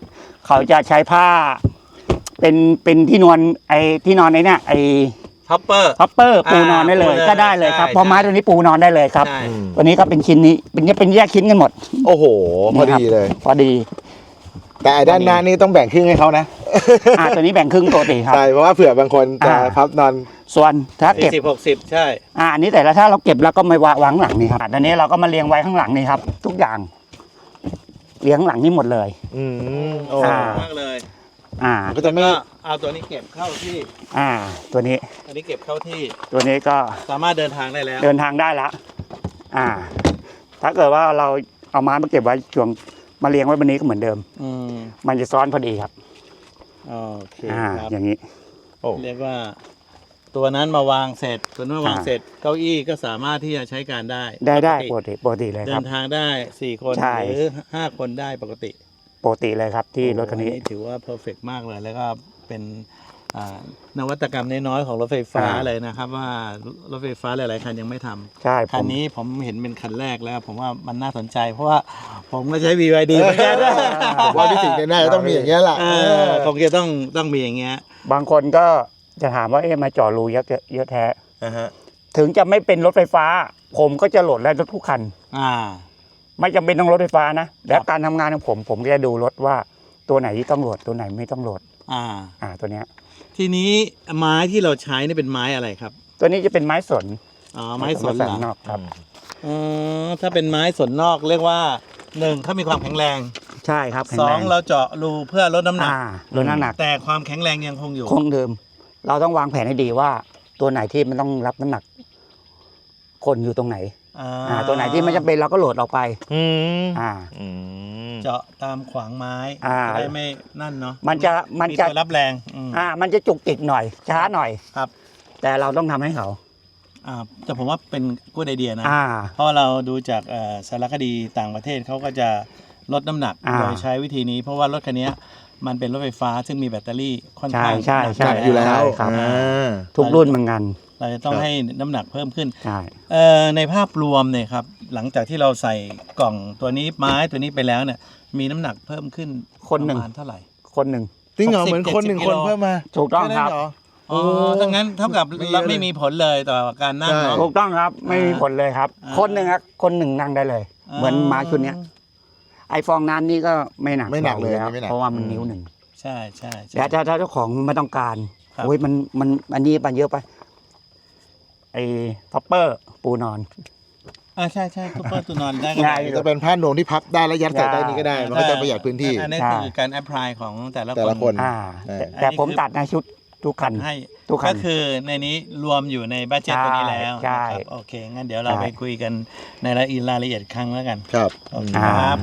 [SPEAKER 4] เขาจะใช้ผ้า เป็นเป็นที่นอนไอ้ที่นอนไอ้เนี่ยไอ้
[SPEAKER 2] ท็อปเปอร์
[SPEAKER 4] พับเปอร์ปูนอนได้เลย
[SPEAKER 2] อ่า
[SPEAKER 4] ก็ได้เลยครับ
[SPEAKER 2] ใช่
[SPEAKER 4] เพราะไม้ตัวนี้ปูนอนได้เลยครับ
[SPEAKER 2] ใช่
[SPEAKER 4] ตัวนี้ก็เป็นชิ้นนี้เป็นเป็นแยกชิ้นกันหมด
[SPEAKER 3] โอ้โห พอดีเลย
[SPEAKER 4] พอดี
[SPEAKER 3] แต่ไอ้ด้านหน้านี่ต้องแบ่งครึ่งให้เขานะ
[SPEAKER 4] อ่าตัวนี้แบ่งครึ่งปกติครับ
[SPEAKER 3] ใช่ เพราะว่าเผื่อบางคนจะ
[SPEAKER 4] อ่า
[SPEAKER 3] พับนอน
[SPEAKER 4] ส่วนถ้าเก็บ
[SPEAKER 2] สิบหกสิบใช่
[SPEAKER 4] อ่าอันนี้แต่ละถ้าเราเก็บแล้วก็มาวางข้างหลังนี่ครับอันนี้เราก็มาเรียงไว้ข้างหลังนี่ครับ ทุกอย่างเรียงข้างหลังนี่หมดเลย
[SPEAKER 3] อืมโอ้
[SPEAKER 4] อ่า
[SPEAKER 2] มากเลย
[SPEAKER 4] อ่า
[SPEAKER 3] ก็จะไม่
[SPEAKER 2] ก็เอาตัวนี้เก็บเข้าที่
[SPEAKER 4] อ่า ตัวนี้
[SPEAKER 2] อันนี้เก็บเข้าที่
[SPEAKER 4] ตัวนี้ก็
[SPEAKER 2] สามารถเดินทางได้แล้ว
[SPEAKER 4] เดินทางได้ละอ่า ถ้าเกิดว่าเราเอาไม้มาเก็บไว้ช่วงมาเรียงไว้บนนี้ก็เหมือนเดิม
[SPEAKER 2] อืม
[SPEAKER 4] มันจะซ้อนพอดีครับ
[SPEAKER 2] โอเค
[SPEAKER 4] อ่า
[SPEAKER 2] ครับ
[SPEAKER 4] อย่างนี้
[SPEAKER 3] โอ้
[SPEAKER 2] เรียกว่า ตัวนั้นมาวางเสร็จตัวนั้นมาวาง
[SPEAKER 4] อ่า
[SPEAKER 2] เสร็จเก้าอี้ก็สามารถที่จะใช้การได้
[SPEAKER 4] ได้ได้
[SPEAKER 2] ป
[SPEAKER 4] ป
[SPEAKER 2] ก
[SPEAKER 4] ก
[SPEAKER 2] ติ
[SPEAKER 4] ติปกติเลย
[SPEAKER 2] เดิ
[SPEAKER 4] ครับ
[SPEAKER 2] นทางได้สี่คน
[SPEAKER 4] ใช่
[SPEAKER 2] หรือห้าคนได้ปกติ
[SPEAKER 4] ปกติเลยครับที่รถคันนี้
[SPEAKER 2] โอ้โหถือว่าเพอร์เฟกมากเลย แล้วก็เป็นอ่านวัตกรรมน้อยๆของรถไฟฟ้า
[SPEAKER 4] อ่า
[SPEAKER 2] เลยนะครับ ว่ารถไฟฟ้าหลายๆคันยังไม่ทำ
[SPEAKER 4] ใช่ผ
[SPEAKER 2] คัน
[SPEAKER 4] ม
[SPEAKER 2] นี้ผมเห็นเป็นคันแรกแล้ว ผมว่ามันน่าสนใจ เพราะว่าผมก็ใช้ บี วาย ดีเหมือนกัน
[SPEAKER 3] ผมว่าพี่สิงห์เนี่ยน่าจะต้องมีอย่างเงี้ยแหละ
[SPEAKER 2] เออคงจะต้องต้องมีอย่างเงี้ย
[SPEAKER 4] บางคนก็จะถามว่าเอ๊ะมาเจาะรูเยอะเยอะแท้
[SPEAKER 3] อ่าฮะ
[SPEAKER 4] ถึงจะไม่เป็นรถไฟฟ้า ผมก็จะโหลดได้รถทุกคัน
[SPEAKER 2] อ่า
[SPEAKER 4] ไม่จำเป็นต้องรถไฟฟ้านะ แล้วการทำงานของผม ผมก็จะดูรถว่าตัวไหนที่ต้องโหลดตัวไหนไม่ต้องโหลด
[SPEAKER 2] อ่า
[SPEAKER 4] อ่าตัวเนี้ย
[SPEAKER 2] ทีนี้ไม้ที่เราใช้นี่เป็นไม้อะไรครับ
[SPEAKER 4] ตัวนี้จะเป็นไม้สน
[SPEAKER 2] อ๋อ ไม้สน
[SPEAKER 4] ไม้
[SPEAKER 2] เหร
[SPEAKER 4] น
[SPEAKER 2] อ
[SPEAKER 4] อกครับ
[SPEAKER 2] อ๋อถ้าเป็นไม้สนนอกเรียกว่าหนึ่งเขามีความแข็งแรง
[SPEAKER 4] ใช่ครับแข็
[SPEAKER 2] ส
[SPEAKER 4] ง
[SPEAKER 2] อ
[SPEAKER 4] แรง ง
[SPEAKER 2] เราเจาะรูเพื่อลดน้ำหนัก
[SPEAKER 4] อ่าลดน้ำหนัก
[SPEAKER 2] แต่ความแข็งแรงยังคงอยู่
[SPEAKER 4] คงเดิม เราต้องวางแผนให้ดีว่า ตัวไหนที่มันต้องรับน้ำหนัก คนอยู่ตรงไหน
[SPEAKER 2] อ่า
[SPEAKER 4] อ่า ตัวไหนที่ไม่จำเป็นเราก็โหลดออกไป
[SPEAKER 3] อืม
[SPEAKER 4] อ่า
[SPEAKER 3] อืม
[SPEAKER 2] เจาะตามขวางไม้
[SPEAKER 4] อ่า
[SPEAKER 2] จะได้ไม่นั่นเนาะ
[SPEAKER 4] มันจะมันจะ
[SPEAKER 2] ตัวรับแรงอืม
[SPEAKER 4] อ่า มันจะจุกจิกหน่อย ช้าหน่อย
[SPEAKER 2] ครับ
[SPEAKER 4] แต่เราต้องทำให้เขา
[SPEAKER 2] อ่าแต่ผมว่าเป็นกูดไอเดียนะ
[SPEAKER 4] อ่า
[SPEAKER 2] เพราะเราดูจากเอ่อสารคดีต่างประเทศเขาก็จะลดน้ำหนัก
[SPEAKER 4] อ่า
[SPEAKER 2] โดยใช้วิธีนี้ เพราะว่ารถคันนี้มันเป็นรถไฟฟ้าซึ่งมีแบตเตอรี่ค่อนข้าง
[SPEAKER 4] ใช่ใช่
[SPEAKER 2] หนัก
[SPEAKER 3] อยู่แล้ว
[SPEAKER 4] ครับ
[SPEAKER 3] อ่า
[SPEAKER 4] ทุกรุ่นเหมือนกัน
[SPEAKER 2] เราจะต้องให้น้ำหนักเพิ่มขึ้น
[SPEAKER 4] ใช่
[SPEAKER 2] เอ่อในภาพรวมเนี่ยครับหลังจากที่เราใส่กล่องตัวนี้ไม้ตัวนี้ไปแล้วเนี่ยมีน้ำหนักเพิ่มขึ้น
[SPEAKER 4] คนหนึ่ง
[SPEAKER 2] ประมาณเท่าไหร่
[SPEAKER 4] คนหนึ่ง
[SPEAKER 3] จริงเหรอ
[SPEAKER 2] หกสิบ
[SPEAKER 3] เหมือนคนหนึ่ง
[SPEAKER 2] เจ็ดสิบ
[SPEAKER 3] คน
[SPEAKER 2] กิโล
[SPEAKER 3] เพิ่มมา
[SPEAKER 4] ถูกต้องครับ
[SPEAKER 3] แนั้นเห
[SPEAKER 2] อ๋อถ้างั้นเท่ากับ
[SPEAKER 3] ไม่เยอะ
[SPEAKER 2] เราไม่มีผลเลยต่อการนั่งเนาะ
[SPEAKER 4] ถูกต้องครับ ไม่มีผลเลยครับ
[SPEAKER 2] อ่า
[SPEAKER 4] คนหนึ่งครับคนหนึ่งนั่งได้เลย
[SPEAKER 2] อ่า
[SPEAKER 4] เหมือนม้าชุดเนี้ย ไอฟองน้ำนี่ก็ไม่หนัก
[SPEAKER 3] ไม่หนักเลย
[SPEAKER 4] แล้ว
[SPEAKER 3] ไม่หนัก
[SPEAKER 4] เพราะว่ามันนิ้วหนึ่ง
[SPEAKER 2] ใช่ใช่ใช่
[SPEAKER 4] แต่ถ้าถ้าเจ้าของไม่ต้องการ
[SPEAKER 2] ครับ
[SPEAKER 4] โอ้ยมันมันอันนี้มันเยอะไป ไอท็อปเปอร์ปูนอน
[SPEAKER 2] อ่าใช่ใช่ทุกเปอร์ตัวนอนได้ก็
[SPEAKER 4] ง่าย
[SPEAKER 2] ได้
[SPEAKER 3] จะเป็นผ้านวมที่พับได้แล้วยัดใส่ได้นี่ก็ได้ มันก็จะประหยัดพื้นที่
[SPEAKER 2] อันนี้
[SPEAKER 4] ใช่
[SPEAKER 2] คือการแอพพลายของแต่ละ
[SPEAKER 3] แต่ละคน
[SPEAKER 4] อ่า
[SPEAKER 3] ใช่
[SPEAKER 4] แต่แต่ผมตัดในชุดทุกคัน
[SPEAKER 2] ให้
[SPEAKER 4] ทุกคัน
[SPEAKER 2] ก็คือในนี้รวมอยู่ในบัตเจ็ตตัวนี้แล้ว
[SPEAKER 4] ใช่
[SPEAKER 2] นะครับโอเค งั้นเดี๋ยวเรา
[SPEAKER 4] ใช่
[SPEAKER 2] ไปคุยกันในรายละเอียดรายละเอียดครั้งแล้วกัน
[SPEAKER 3] ครับ
[SPEAKER 2] โอเค
[SPEAKER 4] อ่า
[SPEAKER 2] ครับ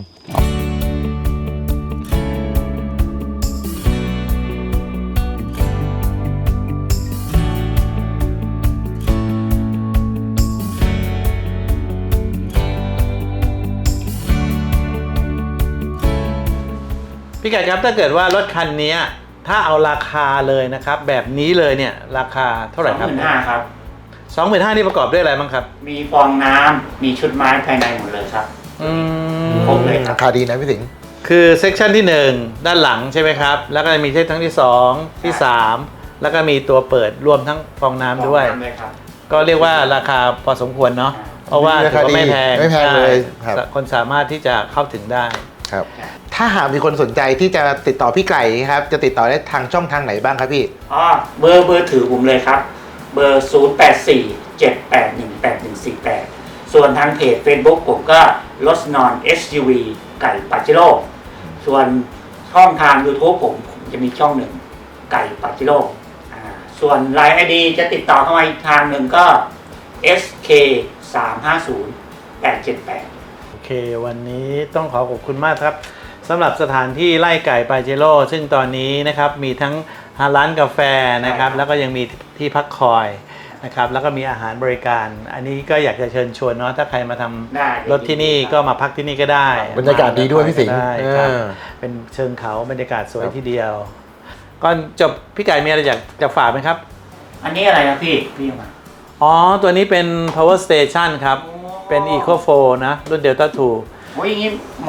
[SPEAKER 2] พี่ไก่ครับถ้าเกิดว่ารถคันนี้ถ้าเอาราคาเลยนะครับ แบบนี้เลยเนี่ยราคาเท่าไหร่ครับ
[SPEAKER 1] สองหมื่นห้าครับ
[SPEAKER 2] สองหมื่นห้านี่ประกอบด้วยอะไรบ้างครับ
[SPEAKER 1] มีฟองน้ำมีชุดไม้ภายในหมดเลยครับ
[SPEAKER 2] อืม
[SPEAKER 1] ครบเลยครั
[SPEAKER 3] รา
[SPEAKER 1] บ
[SPEAKER 3] คาดีนะพี่สิงห์
[SPEAKER 2] คือเซกชันที่หนึ่งด้านหลังใช่ไหมครับ แล้วก็จะมีเซกชันที่สองที่สามแล้วก็มีตัวเปิดรวมทั้งฟองน้ำด้วย
[SPEAKER 1] ฟองน้ำด้วยครับ
[SPEAKER 2] ก็เรียกว่าราคาพอสมควรเนาะเพราะว่าถือว่าไม่แพง
[SPEAKER 3] ไม่แพงเลยค
[SPEAKER 2] ใช่
[SPEAKER 3] รับ
[SPEAKER 2] คนสามารถที่จะเข้าถึงได้
[SPEAKER 3] ครับ ถ้าหากมีคนสนใจที่จะติดต่อพี่ไก่ครับ จะติดต่อได้ทางช่องทางไหนบ้างครับพี่
[SPEAKER 1] อ๋อเบอร์เบอร์ถือผมเลยครับ เบอร์ ศูนย์ แปด สี่ เจ็ด แปด หนึ่ง แปด หนึ่ง สี่ แปด ส่วนทางเพจ Facebook ผมก็รถนอน เอส ยู วี ไก่ปาเจโร่ส่วนช่องทาง YouTube ผมผมจะมีช่องหนึ่งไก่ปาเจโร่อ่าส่วนไลน์ ไอ ดี จะติดต่อเข้ามาอีกทางหนึ่งก็ เอส เค สาม ห้า ศูนย์ แปด เจ็ด แปด
[SPEAKER 2] โอเค วันนี้ต้องขอขอบคุณมากครับสำหรับสถานที่ไล่ไก่ปาเจโร่ซึ่งตอนนี้นะครับมีทั้งร้านกาแฟนะครับ
[SPEAKER 1] ใช่ครับ
[SPEAKER 2] แล้วก็ยังมีที่พักคอยนะครับแล้วก็มีอาหารบริการ อันนี้ก็อยากจะเชิญชวนเนาะถ้าใครมาทำ
[SPEAKER 1] ได้
[SPEAKER 2] รถที่นี่ก็มาพักที่นี่ก็ได้
[SPEAKER 3] บรรยากาศดีด้วยพี่สิงห์
[SPEAKER 2] ได้ครับ
[SPEAKER 3] เออ
[SPEAKER 2] เป็นเชิงเขาบรรยากาศสวย
[SPEAKER 3] ครับ
[SPEAKER 2] ทีเดียวก่อนจบพี่ไก่มีอะไรอยากจะฝากไหมครับ
[SPEAKER 1] อันนี้อะไรนะพี่ พี่เอามา
[SPEAKER 2] อ๋อ ตัวนี้เป็น power station ครับ เป็น eco four นะ รุ่น delta two
[SPEAKER 1] โอ้ยอย่างนี้เหมาะ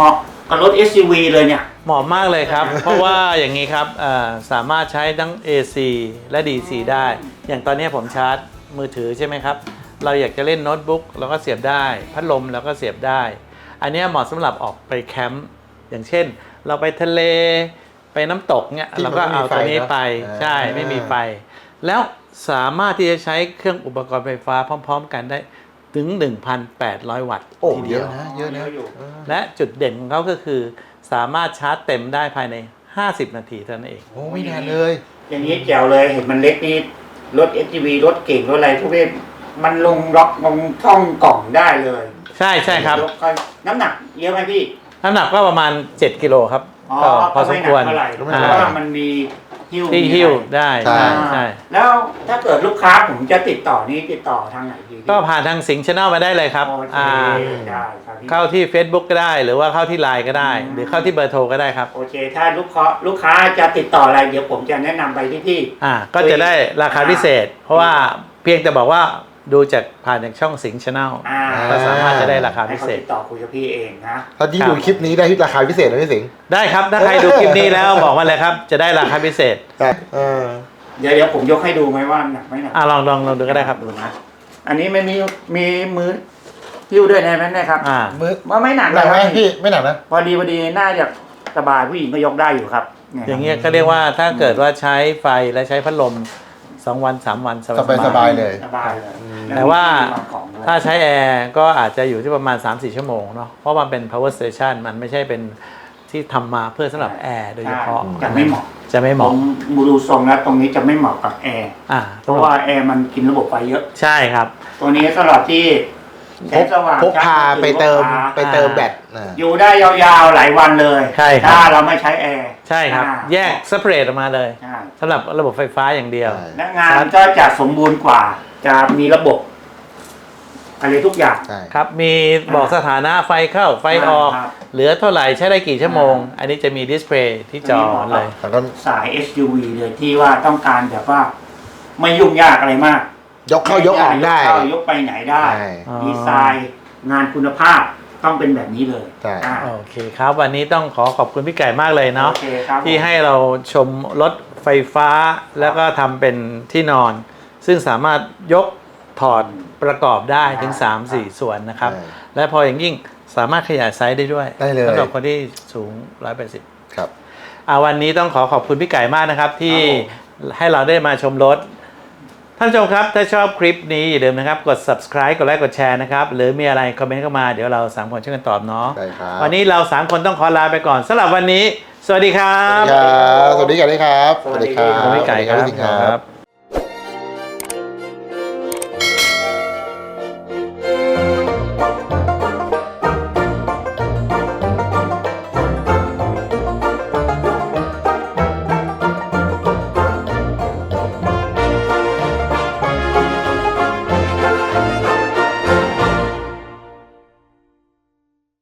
[SPEAKER 1] กับรถ เอส ยู วี เลยเนี่ย
[SPEAKER 2] เหมาะมากเลยครับ เพราะว่าอย่างนี้ครับเอ่อสามารถใช้ทั้ง เอ ซี และ ดี ซี ได้ อย่างตอนนี้ผมชาร์จมือถือใช่ไหมครับ เราอยากจะเล่นโน้ตบุ๊กเราก็เสียบได้ พัดลมเราก็เสียบได้ อันนี้เหมาะสำหรับออกไปแคมป์อย่างเช่น เราไปทะเลไปน้ำตกเนี่ย
[SPEAKER 3] ที่มั
[SPEAKER 2] เรา
[SPEAKER 3] น
[SPEAKER 2] ก็เอาตัวนี้ไป
[SPEAKER 3] ไม่มีไฟเนอะ
[SPEAKER 2] ใช่
[SPEAKER 3] อ่า
[SPEAKER 2] ไม่มีไฟ แล้วสามารถที่จะใช้เครื่องอุปกรณ์ไฟฟ้าพร้อม ๆ กันได้ถึง หนึ่งพันแปดร้อย วัตต์
[SPEAKER 3] โอ้
[SPEAKER 2] ที
[SPEAKER 3] เย
[SPEAKER 2] เดียว
[SPEAKER 3] อะนะเยอะนะ
[SPEAKER 1] เยอะอยู่
[SPEAKER 3] เออ
[SPEAKER 2] และจุดเด่นของเขาก็คือสามารถชาร์จเต็มได้ภายใน ห้าสิบ นาทีเท่านั้นเอง
[SPEAKER 3] โอ้ไม่นานเลย
[SPEAKER 1] อย่างนี้แจ๋วเลยเห็นมันเล็กนี่รถ เอส ยู วี รถเก่งรถอะไรทุกเรื่องมันลงล็อกลงช่องกล่องได้เลย
[SPEAKER 2] ใช่ใช่ครับ
[SPEAKER 1] ยกค่อยน้ำหนักเยอะไหมพี่
[SPEAKER 2] น้ำหนักก็ประมาณ เจ็ด กิโลครับ
[SPEAKER 1] อ๋อ
[SPEAKER 2] ก็พอ
[SPEAKER 1] ก็
[SPEAKER 2] ส
[SPEAKER 1] ไม่
[SPEAKER 2] ม
[SPEAKER 1] หนั
[SPEAKER 2] คว
[SPEAKER 1] ก
[SPEAKER 2] ร
[SPEAKER 1] เท่าไหร่
[SPEAKER 3] ไม่
[SPEAKER 1] เพ
[SPEAKER 3] หนัก
[SPEAKER 1] ราะว่ามันมีหิ้ว
[SPEAKER 2] ที่
[SPEAKER 1] มี
[SPEAKER 2] หิ้ว
[SPEAKER 1] อะไร
[SPEAKER 2] ได้
[SPEAKER 3] ใช่
[SPEAKER 2] ใช่
[SPEAKER 1] อ่า
[SPEAKER 2] ใช่
[SPEAKER 1] แล้วถ้าเกิดลูกค้าผมจะติดต่อนี่ติดต่อทางไหนดีพี่
[SPEAKER 2] ก็ผ่านทางสิงห์ชาแนลมาได้เลยครับ
[SPEAKER 1] โอเค
[SPEAKER 2] อ่า
[SPEAKER 1] ได้ครับพี่
[SPEAKER 2] เข้าที่ Facebook ก็ได้ หรือว่าเข้าที่ ไลน์ ก็ได้
[SPEAKER 1] อืม
[SPEAKER 2] หรือเข้าที่เบอร์โทรก็ได้ครับ
[SPEAKER 1] โอเค ถ้าลูกค้าลูกค้าจะติดต่ออะไรเดี๋ยวผมจะแนะนำไปที่พี่
[SPEAKER 2] อ่าก็จะได้ราคาพิเศษ เพราะว่าเพียงแต่บอกว่าดูจากผ่านจากช่องสิงห์ชาแนล
[SPEAKER 1] อ่า
[SPEAKER 2] ก็สามารถจะได้ราคา
[SPEAKER 1] ให้
[SPEAKER 2] พิ
[SPEAKER 1] เขา
[SPEAKER 2] เศษ
[SPEAKER 1] ติดต่อคุยกับพี่เองนะ
[SPEAKER 3] ถ้าที่ดูคลิปนี้ได้ที่ราคาพิเศษนะพี่สิงห์
[SPEAKER 2] ได้ครับ ถ้าใครดูคลิปนี้แล้วบอกมาเลยครับ จะได้ราคาพิเศษ
[SPEAKER 3] ใช่เออ
[SPEAKER 1] เดี๋ยวเดี๋ยวผมยกให้ดูไหมว่าหนักไหมหนัก
[SPEAKER 2] อ่าลองลองลองดูก็ได้ครับ
[SPEAKER 1] ดูนะ อันนี้ไม่มีมีมือหิ้วด้วยนะแม่นะครับ
[SPEAKER 2] อ่า
[SPEAKER 3] มือ
[SPEAKER 1] ว่าไม่หนัก
[SPEAKER 3] หนักไหม
[SPEAKER 1] นะครับ
[SPEAKER 3] พี่ไม่หนักนะ
[SPEAKER 1] พอดีพอดีน่าจะสบายผู้หญิงก็ยกได้อยู่ครับนี่
[SPEAKER 2] อย่างเงี้ยก็เรียกว่าถ้าเกิดว่าใช้ไฟและใช้พัดลมสองวันสามวันส
[SPEAKER 3] สบายสบายเลย
[SPEAKER 1] สบายเลย
[SPEAKER 2] แต่ว่า
[SPEAKER 1] ล้มีที่งของด้วย
[SPEAKER 2] ถ้าใช้แอร์ก็อาจจะอยู่ที่ประมาณ สามถึงสี่ ชั่วโมงเนาะเพราะมันเป็น power station มันไม่ใช่เป็นที่ทำมาเพื่อสำหรับแอร์โดยเฉพาะ
[SPEAKER 1] ใช่จะไม่เหมาะ
[SPEAKER 2] จะไม่เห
[SPEAKER 1] ผ
[SPEAKER 2] มาะ
[SPEAKER 1] มดูทรงแล้วตรงนี้จะไม่เหมาะกับแอร์
[SPEAKER 2] อ่า
[SPEAKER 1] เพราะว่าแอร์มันกินระบบไฟเยอะ
[SPEAKER 2] ใช่ครับ
[SPEAKER 1] ตัวนี้สำหรับที่แส
[SPEAKER 3] พ
[SPEAKER 1] ง
[SPEAKER 3] ก
[SPEAKER 1] สว่าง
[SPEAKER 3] พกพาไปเติม
[SPEAKER 1] พกพา
[SPEAKER 3] ไปเติมแบตอ่า
[SPEAKER 1] อยู่ได้ยาวๆหลายวันเลย
[SPEAKER 2] ใช่ครับ
[SPEAKER 1] ถ้าเราไม่ใช้แอร์
[SPEAKER 2] ใช่ครับ
[SPEAKER 1] อ่า
[SPEAKER 2] แยก separate ออกมาเลย
[SPEAKER 1] ใช่
[SPEAKER 2] สำหรับระบบไฟฟ้าอย่างเดียว
[SPEAKER 3] ใช่
[SPEAKER 1] และงานก็จะสมบูรณ์กว่า จะมีระบบอะไรทุกอย่าง
[SPEAKER 3] ใช่
[SPEAKER 2] ครับ มีบอกสถานะไฟเข้าไฟออก
[SPEAKER 1] ครับ
[SPEAKER 2] เหลือเท่าไหร่ใช้ได้กี่ชั่วโมง อันนี้จะมีดิสเพลย์ที่จอเลย
[SPEAKER 3] แล้วก็
[SPEAKER 1] สาย เอส ยู วี เลยที่ว่าต้องการแบบว่า ไม่ยุ่งยากอะไรมาก
[SPEAKER 3] ยกเข้ายกออกได้
[SPEAKER 1] ยกเข้ายกไปไหนได้
[SPEAKER 3] ใช่
[SPEAKER 2] อ๋อ
[SPEAKER 1] ดีไซน์งานคุณภาพต้องเป็นแบบนี้เลย
[SPEAKER 3] ใช่
[SPEAKER 1] อ่า
[SPEAKER 2] โอเคครับ วันนี้ต้องขอขอบคุณพี่ไก่มากเลยเนาะ
[SPEAKER 1] โอเคครับ
[SPEAKER 2] ที่ให้เราชมรถไฟฟ้าแล้วก็ทำเป็นที่นอน ซึ่งสามารถยกถอดประกอบได้ถึง สามถึงสี่ ส่วนนะครับ
[SPEAKER 3] ใช่
[SPEAKER 2] และพออย่างยิ่งสามารถขยายไซส์ได้ด้วย
[SPEAKER 3] ได้เลย
[SPEAKER 2] สำหรับคนที่สูงหนึ่งร้อยแปดสิบ
[SPEAKER 3] ครับ
[SPEAKER 2] อ่าวันนี้ต้องขอขอบคุณพี่ไก่มากนะครับ ที่ให้เราได้มาชมรถ ท่านผู้ชมครับ ถ้าชอบคลิปนี้อย่าลืมนะครับ กด subscribe กดไลค์กดแชร์นะครับ หรือมีอะไรคอมเมนต์เข้ามาเดี๋ยวเราสามคนช่วยกันตอบเนาะ
[SPEAKER 3] ได้ครับ
[SPEAKER 2] วันนี้เราสามคนต้องขอลาไปก่อนสำหรับวันนี้ สวัสดีครั
[SPEAKER 3] สวัส
[SPEAKER 2] บ
[SPEAKER 3] ดีครับ สวัสดีกันด้วยครับ
[SPEAKER 1] สวัสดีครับ
[SPEAKER 2] ขอบคุณพี่ไก่ครับ
[SPEAKER 3] สวัสดีครับ
[SPEAKER 2] ครับ